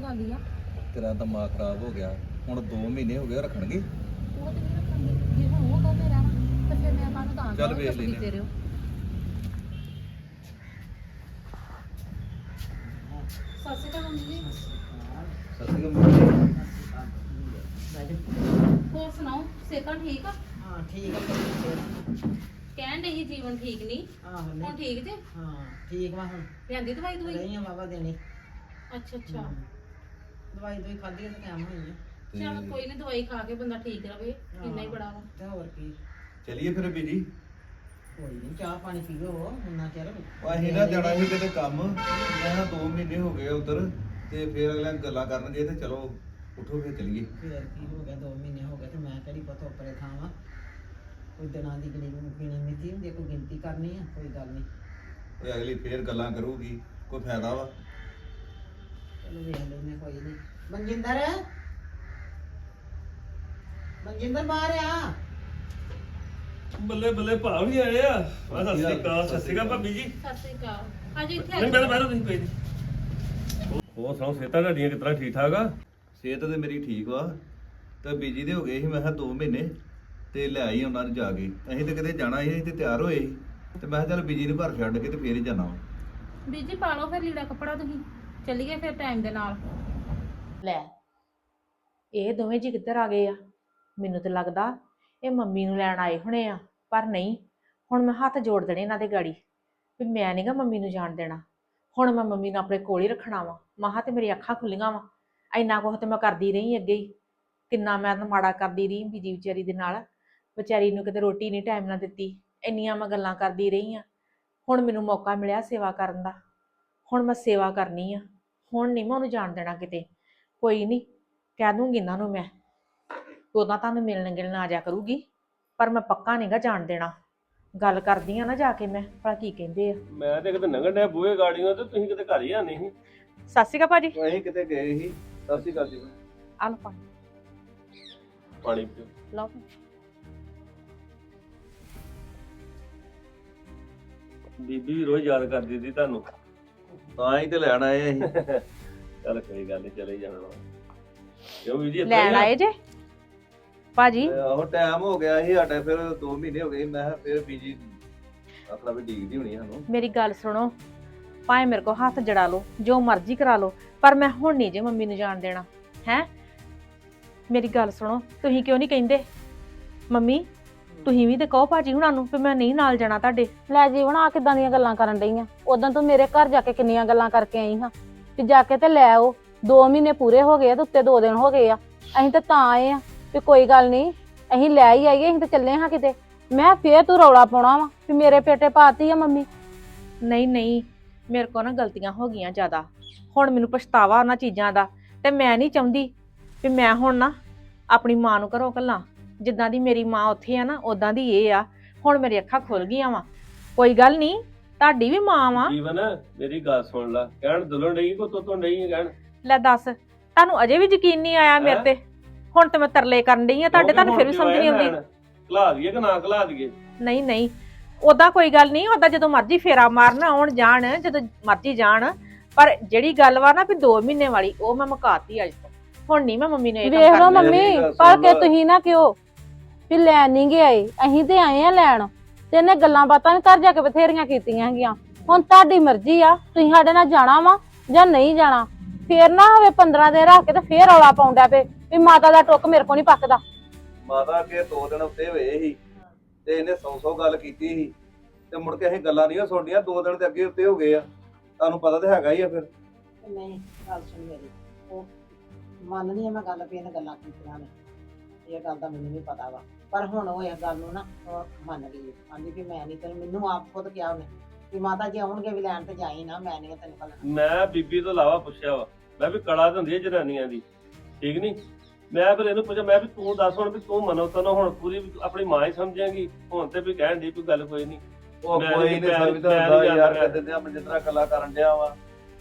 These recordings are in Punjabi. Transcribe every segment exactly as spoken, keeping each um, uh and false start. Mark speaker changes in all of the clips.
Speaker 1: ਜਾਂਦੀ ਆ।
Speaker 2: ਤੇਰਾ ਦਿਮਾਗ ਖਰਾਬ ਹੋ ਗਿਆ। ਹੁਣ ਦੋ ਮਹੀਨੇ ਹੋ ਗਏ ਰੱਖਣਗੇ।
Speaker 1: ਉਹ ਤੇ ਨਹੀਂ ਰੱਖਣਗੇ। ਜੇ ਹੁਣ ਉਹ ਕਹਿੰਦੇ ਰਹਿਣਾ ਤੇ ਫਿਰ ਮੈਂ ਤੁਹਾਨੂੰ ਤਾਂ
Speaker 2: ਚੱਲ ਵੇਖ ਲੈਂਦੇ
Speaker 1: ਰਹੋ। ਸਤਿ ਸ਼੍ਰੀ ਅਕਾਲ ਮੰਮੀ ਜੀ।
Speaker 2: ਸਤਿ ਸ਼੍ਰੀ ਅਕਾਲ।
Speaker 1: ਹੋਰ ਸੁਣਾਓ, ਸਿਹਤਾਂ ਠੀਕ ਆ?
Speaker 3: ਹਾਂ ਠੀਕ ਆ।
Speaker 1: ਕਹਿਣ ਦੇ ਹੀ ਜੀਵਨ ਠੀਕ ਨਹੀਂ।
Speaker 3: ਆਹੋ
Speaker 1: ਹੁਣ
Speaker 3: ਨਹੀਂ
Speaker 1: ਠੀਕ ਜੇ?
Speaker 3: ਹਾਂ ਠੀਕ ਵਾ ਹੁਣ।
Speaker 1: ਲਿਆਂਦੀ ਦਵਾਈ ਦਵਾਈ?
Speaker 3: ਰਹੀਆਂ ਬਾਬਾ ਦੇਣੀ।
Speaker 1: ਅੱਛਾ ਅੱਛਾ।
Speaker 3: ਦਵਾਈ ਦੋਈ ਖਾਧੀ ਤੇ ਟਾਈਮ ਹੋਈ ਆ।
Speaker 1: ਚਲ ਕੋਈ ਨਹੀਂ, ਦਵਾਈ ਖਾ ਕੇ ਬੰਦਾ ਠੀਕ ਰਵੇ, ਇੰਨਾ ਹੀ ਬੜਾ ਵਾ।
Speaker 3: ਤੇ ਹੋਰ ਕੀ।
Speaker 2: ਚਲਿਏ ਫਿਰ ਬੀਜੀ।
Speaker 3: ਕੋਈ ਨਹੀਂ ਚਾਹ ਪਾਣੀ ਪੀਓ ਉਹਨਾਂ ਚਿਰ।
Speaker 2: ਅਸੀਂ ਨਾ ਜਾਣਾ ਸੀ ਕਿਤੇ ਕੰਮ। ਮੈਂ ਨਾ ਦੋ ਮਹੀਨੇ ਹੋ ਗਏ ਉਧਰ ਤੇ ਫਿਰ ਅਗਲੇ ਗੱਲਾਂ ਕਰਨਗੇ ਤੇ ਚਲੋ ਉੱਠੋ ਫਿਰ ਚਲੀਏ।
Speaker 3: ਫੇਰ ਕੀ ਹੋ ਗਿਆ, ਦੋ ਮਹੀਨੇ ਹੋ ਗਏ ਤੇ ਮੈਂ ਕਿਹੜੀ ਪਤਾ ਉੱਪਰੇ ਥਾਂ ਵਾ। ਕੋਈ ਦਿਨਾਂ ਦੀ ਗਿਣੀ ਗਿਣੀ ਮਿਤੀ ਹੁੰਦੀ, ਕੋਈ ਗਿਣਤੀ ਕਰਨੀ ਆ, ਕੋਈ ਗੱਲ ਨਹੀਂ।
Speaker 2: ਉਹ ਅਗਲੀ ਫੇਰ ਗੱਲਾਂ ਕਰੂਗੀ, ਕੋਈ ਫਾਇਦਾ ਵਾ?
Speaker 3: ਚਲੋ ਵੇਖ ਲੈਨੇ ਕੋਈ ਨਹੀਂ। ਮਨਜਿੰਦਰ ਮਨਜਿੰਦਰ ਬਾਹਰ ਆ।
Speaker 4: ਬੱਲੇ ਬੱਲੇ ਭਾਵ ਵੀ ਆਏ ਆ। ਆ ਸਤਿ ਸ੍ਰੀ ਅਕਾਲ। ਸਤਿ ਸ੍ਰੀ ਅਕਾਲ ਭਾਬੀ ਜੀ।
Speaker 1: ਸਤਿ ਸ਼੍ਰੀ ਅਕਾਲ। ਹਾਂਜੀ ਇੱਥੇ
Speaker 4: ਨਹੀਂ ਬੈਠੋ ਬੈਠੋ ਤੁਸੀਂ ਕੋਈ ਨਹੀਂ। ਹੋਰ ਸੁਣਾਓ, ਸਿਹਤਾਂ ਤੁਹਾਡੀਆਂ ਕਿਸ ਤਰ੍ਹਾਂ ਠੀਕ ਠਾਕ ਆ?
Speaker 2: ਸਿਹਤ ਤੇ ਮੇਰੀ ਠੀਕ ਵਾ ਤੇ ਬੀਜੀ ਦੇ ਹੋ ਗਏ ਸੀ ਮੈਂ ਕਿਹਾ ਦੋ ਮਹੀਨੇ ਤੇ ਲੈ ਆਈ ਉਹਨਾਂ ਨੂੰ ਜਾ ਕੇ। ਅਸੀਂ ਤੇ ਕਿਤੇ ਜਾਣਾ ਸੀ, ਅਸੀਂ ਤੇ ਤਿਆਰ ਹੋਏ ਸੀ ਤੇ ਮੈਂ ਕਿਹਾ ਚੱਲ ਬੀਜੀ ਨੂੰ ਘਰ ਛੱਡ ਕੇ ਤੇ ਫੇਰ ਹੀ ਜਾਣਾ ਵਾ।
Speaker 1: ਬੀਜੀ ਪਾ ਲਓ ਫਿਰ ਲੀੜਾ ਕੱਪੜਾ, ਤੁਸੀਂ ਚੱਲੀਏ ਫਿਰ ਟਾਈਮ ਦੇ ਨਾਲ।
Speaker 5: ਲੈ ਇਹ ਦੋਵੇਂ ਜੀ ਕਿੱਧਰ ਆ ਗਏ ਆ? ਮੈਨੂੰ ਤੇ ਲੱਗਦਾ ਇਹ ਮੰਮੀ ਨੂੰ ਲੈਣ ਆਏ ਹੋਣੇ ਆ, ਪਰ ਨਹੀਂ। ਹੁਣ ਮੈਂ ਹੱਥ ਜੋੜ ਦੇਣੇ ਇਹਨਾਂ ਦੇ ਗਾੜੀ ਵੀ ਮੈਂ ਨਹੀਂਗਾ ਮੰਮੀ ਨੂੰ ਜਾਣ ਦੇਣਾ। ਹੁਣ ਮੈਂ ਮੰਮੀ ਨੂੰ ਆਪਣੇ ਕੋਲ ਹੀ ਰੱਖਣਾ ਵਾ। ਮਹਾ ਤੇ ਮੇਰੀ ਅੱਖਾਂ ਖੁੱਲੀਆਂ ਵਾ। ਇੰਨਾ ਕੁਝ ਤੇ ਮੈਂ ਕਰਦੀ ਰਹੀ ਅੱਗੇ ਹੀ, ਕਿੰਨਾ ਮੈਂ ਤਾਂ ਮਾੜਾ ਕਰਦੀ ਰਹੀ ਬੀਜੀ ਵਿਚਾਰੀ ਦੇ ਨਾਲ। ਵਿਚਾਰੀ ਨੂੰ ਕਿਤੇ ਰੋਟੀ ਨਹੀਂ ਟਾਈਮ ਨਾਲ ਦਿੱਤੀ, ਇੰਨੀਆਂ ਮੈਂ ਗੱਲਾਂ ਕਰਦੀ ਰਹੀ ਆ। ਹੁਣ ਮੈਨੂੰ ਮੌਕਾ ਮਿਲਿਆ ਸੇਵਾ ਕਰਨ ਦਾ, ਹੁਣ ਮੈਂ ਸੇਵਾ ਕਰਨੀ ਆ। ਹੁਣ ਨਹੀਂ ਮੈਂ ਉਹਨੂੰ ਜਾਣ ਦੇਣਾ ਕਿਤੇ। ਕੋਈ ਨਹੀਂ, ਕਹਿ ਦੂੰਗੀ ਇਹਨਾਂ ਨੂੰ ਮੈਂ, ਉਦੋਂ ਤੁਹਾਨੂੰ ਮਿਲਣ ਗਿਲਣ ਆ ਜਾ ਕਰੂਗੀ, ਪਰ ਮੈਂ ਪੱਕਾ ਨਹੀਂਗਾ ਜਾਣ ਦੇਣਾ। ਗੱਲ ਕਰਦੀ ਆ ਨਾ ਜਾ ਕੇ ਮੈਂ, ਭਲਾ ਕੀ ਕਹਿੰਦੇ ਆ।
Speaker 4: ਮੈਂ ਤੇ ਕਿਤੇ ਲੰਘਣ ਡਿਆ ਬੂਹੇ ਗਾੜੀਆਂ ਤੇ ਤੁਸੀਂ ਕਿਤੇ ਘਰ ਹੀ ਆਨੇ ਸੀ।
Speaker 5: ਸਤਿ ਸ਼੍ਰੀ ਅਕਾਲ ਭਾਜੀ।
Speaker 2: ਅਸੀਂ ਕਿਤੇ ਗਏ ਸੀ। ਸਤਿ ਸ਼੍ਰੀ ਅਕਾਲ ਜੀ।
Speaker 5: ਆ ਲਓ ਪਾਣੀ,
Speaker 4: ਪਾਣੀ ਪੀਓ।
Speaker 5: ਲਓ।
Speaker 4: ਬੀਬੀ ਵੀ ਰੋਜ਼ ਯਾਦ ਕਰਦੀ ਸੀ ਤੁਹਾਨੂੰ।
Speaker 2: ਤਾਂ ਹੀ ਤੇ ਲੈਣ ਆਏ ਅਸੀਂ।
Speaker 4: ਚੱਲ ਕੋਈ ਗੱਲ ਨਹੀਂ, ਚਲੇ ਜਾਣਾ ਵਾ। ਕਿਉਂ ਬੀਬੀ ਜੀ
Speaker 5: ਲੈਣ ਆਏ ਜੇ ਭਾਜੀ?
Speaker 2: ਆਹੋ ਟਾਈਮ ਹੋ ਗਿਆ ਸੀ ਸਾਡਾ, ਫਿਰ ਦੋ ਮਹੀਨੇ ਹੋ ਗਏ। ਮੈਂ ਕਿਹਾ ਫਿਰ ਬੀਜੀ ਆਪਣਾ ਵੀ ਡੀਕਦੀ ਹੋਣੀ ਸਾਨੂੰ।
Speaker 5: ਮੇਰੀ ਗੱਲ ਸੁਣੋ, ਭਾਵੇਂ ਮੇਰੇ ਕੋ ਹੱਥ ਜੜਾ ਲਓ, ਜੋ ਮਰਜ਼ੀ ਕਰਾ ਲਓ, ਪਰ ਮੈਂ ਹੁਣ ਨਹੀਂ ਜੇ ਮੰਮੀ ਨੂੰ ਜਾਣ ਦੇਣਾ ਹੈ। ਮੇਰੀ ਗੱਲ ਸੁਣੋ, ਤੁਸੀਂ ਕਿਉਂ ਨਹੀਂ ਕਹਿੰਦੇ? ਮੰਮੀ ਤੁਸੀਂ ਵੀ ਤੇ ਕਹੋ ਭਾਜੀ ਹੁਣਾਂ ਨੂੰ ਵੀ ਮੈਂ ਨਹੀਂ ਨਾਲ ਜਾਣਾ ਤੁਹਾਡੇ।
Speaker 6: ਲੈ ਜੀਵਨ ਆ ਕਿੱਦਾਂ ਦੀਆਂ ਗੱਲਾਂ ਕਰਨ ਡਈ ਆ? ਉਦੋਂ ਤੂੰ ਮੇਰੇ ਘਰ ਜਾ ਕੇ ਕਿੰਨੀਆਂ ਗੱਲਾਂ ਕਰਕੇ ਆਈ ਹਾਂ ਕਿ ਜਾ ਕੇ ਤੇ ਲੈ ਆਓ। ਦੋ ਮਹੀਨੇ ਪੂਰੇ ਹੋ ਗਏ ਆ ਤੇ ਉੱਤੇ ਦੋ ਦਿਨ ਹੋ ਗਏ ਆ। ਅਸੀਂ ਤਾਂ ਤਾਂ ਆਏ ਆ ਵੀ ਕੋਈ ਗੱਲ ਨਹੀਂ, ਅਸੀਂ ਲੈ ਹੀ ਆਈਏ, ਅਸੀਂ ਤਾਂ ਚੱਲੇ ਹਾਂ ਕਿਤੇ। ਮੈਂ ਫੇਰ ਤੂੰ ਰੌਲਾ ਪਾਉਣਾ ਵਾ ਵੀ ਮੇਰੇ ਪੇਟੇ ਪਾਤੀ ਆ ਮੰਮੀ।
Speaker 5: ਨਹੀਂ ਨਹੀਂ, ਮੇਰੇ ਕੋ ਨਾ ਗਲਤੀਆਂ ਹੋ ਗਈਆਂ ਜ਼ਿਆਦਾ। ਹੁਣ ਮੈਨੂੰ ਪਛਤਾਵਾ ਉਹਨਾਂ ਚੀਜ਼ਾਂ ਦਾ, ਤੇ ਮੈਂ ਨਹੀਂ ਚਾਹੁੰਦੀ ਵੀ ਮੈਂ ਹੁਣ ਨਾ ਆਪਣੀ ਮਾਂ ਨੂੰ ਘਰੋਂ ਘੱਲਾਂ। ਜਿੱਦਾਂ ਦੀ ਮੇਰੀ ਮਾਂ ਉੱਥੇ ਆ ਨਾ, ਉਦਾਂ ਦੀ ਇਹ ਆ। ਹੁਣ ਮੇਰੀ ਅੱਖਾਂ ਖੁੱਲ ਗਈਆਂ ਵਾ। ਕੋਈ ਗੱਲ ਨਹੀਂ, ਤੁਹਾਡੀ ਵੀ ਮਾਂ ਵਾ।
Speaker 4: ਜੀਵਨ ਮੇਰੀ ਗੱਲ ਸੁਣ ਲੈ, ਕਹਿਣ ਦੁਲਣ ਨਹੀਂ ਕੋ ਤੋ ਤੋਂ ਨਹੀਂ ਕਹਿਣ।
Speaker 5: ਲੈ ਦੱਸ, ਤੁਹਾਨੂੰ ਅਜੇ ਵੀ ਯਕੀਨ ਨਹੀਂ ਆਇਆ ਮੇਰੇ ਤੇ? ਹੁਣ ਤੇ ਮੈਂ ਤਰਲੇ ਕਰਨ ਡਈ ਆ ਤੁਹਾਡੇ, ਤੁਹਾਨੂੰ ਫਿਰ ਵੀ ਸਮਝ ਨਹੀਂ ਆਉਂਦੀ।
Speaker 4: ਘਲਾ ਦਈਏ ਕਿ ਨਾ ਘਲਾ ਦਈਏ?
Speaker 5: ਨਹੀਂ ਨਹੀਂ, ਉਹਦਾ ਕੋਈ ਗੱਲ ਨਹੀਂ। ਉਹਦਾ ਜਦੋਂ ਮਰਜ਼ੀ ਫੇਰਾ ਮਾਰਨ ਆਉਣ ਜਾਣ, ਜਦੋਂ ਮਰਜ਼ੀ ਜਾਣ। ਪਰ ਜਿਹੜੀ ਗੱਲ ਵਾ ਨਾ ਵੀ ਦੋ ਮਹੀਨੇ ਵਾਲੀ, ਉਹ ਮੈਂ ਮੁਕਾਤੀ ਅੱਜ ਤੋਂ। ਹੁਣ ਨਹੀਂ ਮੈਂ ਮੰਮੀ ਨੂੰ ਇਹ ਕੰਮ
Speaker 6: ਵੇਖ ਲਓ
Speaker 5: ਕਰਨਾ।
Speaker 6: ਮੰਮੀ, ਪਰ ਕਿ ਤੁਸੀਂ ਨਾ ਕਿਉਂ ਵੀ ਲੈਣ ਨਹੀਂ ਗਏ ਆਏ, ਅਸੀਂ ਤੇ ਆਏ ਆ ਲੈਣ। ਤੇ ਇਹਨੇ ਗੱਲਾਂ ਬਾਤਾਂ ਵੀ ਘਰ ਜਾ ਕੇ ਬਥੇਰੀਆਂ ਕੀਤੀਆਂ ਹੈਗੀਆਂ। ਹੁਣ ਤੁਹਾਡੀ ਮਰਜ਼ੀ ਆ, ਤੁਸੀਂ ਸਾਡੇ ਨਾਲ ਜਾਣਾ ਵਾ ਜਾਂ ਨਹੀਂ ਜਾਣਾ। ਫੇਰ ਨਾ ਹੋਵੇ ਪੰਦਰਾਂ ਦਿਨ ਰੱਖ ਕੇ ਤੇ ਫੇਰ ਰੌਲਾ ਪਾਉਂਦਾ ਪਏ ਵੀ ਮਾਤਾ ਦਾ ਟੁੱਕ ਮੇਰੇ ਕੋਲ ਨਹੀਂ ਪੱਕਦਾ।
Speaker 2: ਮਾਤਾ ਕੇ ਦੋ ਦਿਨ ਉੱਤੇ ਹੋਏ ਸੀ ਤੇ ਇਹਨੇ ਸੌ ਸੌ ਗੱਲ ਕੀਤੀ ਸੀ ਤੇ ਮੁੜ ਕੇ ਅਸੀਂ ਗੱਲਾਂ ਨਹੀਂ ਸੁਣਨੀਆਂ। ਦੋ ਦਿਨ ਤੇ ਅੱਗੇ ਉੱਤੇ ਹੋ ਗਏ ਆ, ਤੁਹਾਨੂੰ ਪਤਾ ਤੇ ਹੈਗਾ ਹੀ ਆ। ਫਿਰ
Speaker 3: ਨਹੀਂ ਗੱਲ ਸੁਣ ਮੇਰੀ, ਉਹ ਮੰਨਦੀ ਆ ਮੈਂ ਗੱਲ ਵੀ ਇਹਨੇ ਗੱਲਾਂ ਕੀਤੀਆਂ ਨੇ, ਇਹ ਗੱਲ ਦਾ ਮੈਨੂੰ ਵੀ ਪਤਾ ਵਾ। ਪਰ ਹੁਣ ਉਹ ਇਸ ਗੱਲ ਨੂੰ ਨਾ ਉਹ ਮੰਨ ਗਈ। ਆਂਦੀ ਵੀ ਮੈਂ ਨਹੀਂ ਤੈਨੂੰ, ਮੈਨੂੰ ਆਪ ਖੁਦ ਕਿਹਾ ਉਹਨੇ ਵੀ ਮਾਤਾ ਜੀ ਆਉਣਗੇ ਵੀ ਲੈਣ ਤੇ ਜਾਈ ਨਾ, ਮੈਂ ਨਹੀਂ ਤੈਨੂੰ ਘੱਲਣਾ।
Speaker 4: ਮੈਂ ਬੀਬੀ ਤੋਂ ਇਲਾਵਾ ਪੁੱਛਿਆ ਵਾ, ਮੈਂ ਵੀ ਕਲਾ ਹੁੰਦੀ ਹੈ ਜਨਾਨੀਆਂ ਦੀ, ਠੀਕ ਨਹੀਂ? ਮੈਂ ਫਿਰ ਇਹਨੂੰ ਪੁੱਛਿਆ, ਮੈਂ ਵੀ ਤੂੰ ਦੱਸ ਹੁਣ ਵੀ ਤੂੰ ਮਨੋ ਤਨੋ ਹੁਣ ਪੂਰੀ ਆਪਣੀ ਮਾਂ ਹੀ ਸਮਝੇਂਗੀ। ਹੁਣ ਤੇ ਵੀ ਕਹਿਣ ਦੀ ਕੋਈ ਗੱਲ ਕੋਈ ਨਹੀਂ।
Speaker 2: ਉਹ
Speaker 4: ਮੈਂ
Speaker 2: ਕੋਈ
Speaker 4: ਨੀ-
Speaker 2: ਨਹੀਂ
Speaker 4: ਮੈਂ ਨੀ-
Speaker 2: ਸਮਝਦਾ
Speaker 4: ਮੈਂ ਨੀ
Speaker 2: ਹੁੰਦਾ ਯਾਰ।
Speaker 4: ਜਾਣਦਾ।
Speaker 2: ਕਹਿੰਦੇ ਆ ਮਨਜਿੰਦਰਾ ਗੱਲਾਂ ਕਰਨ ਡਿਆ ਵਾ,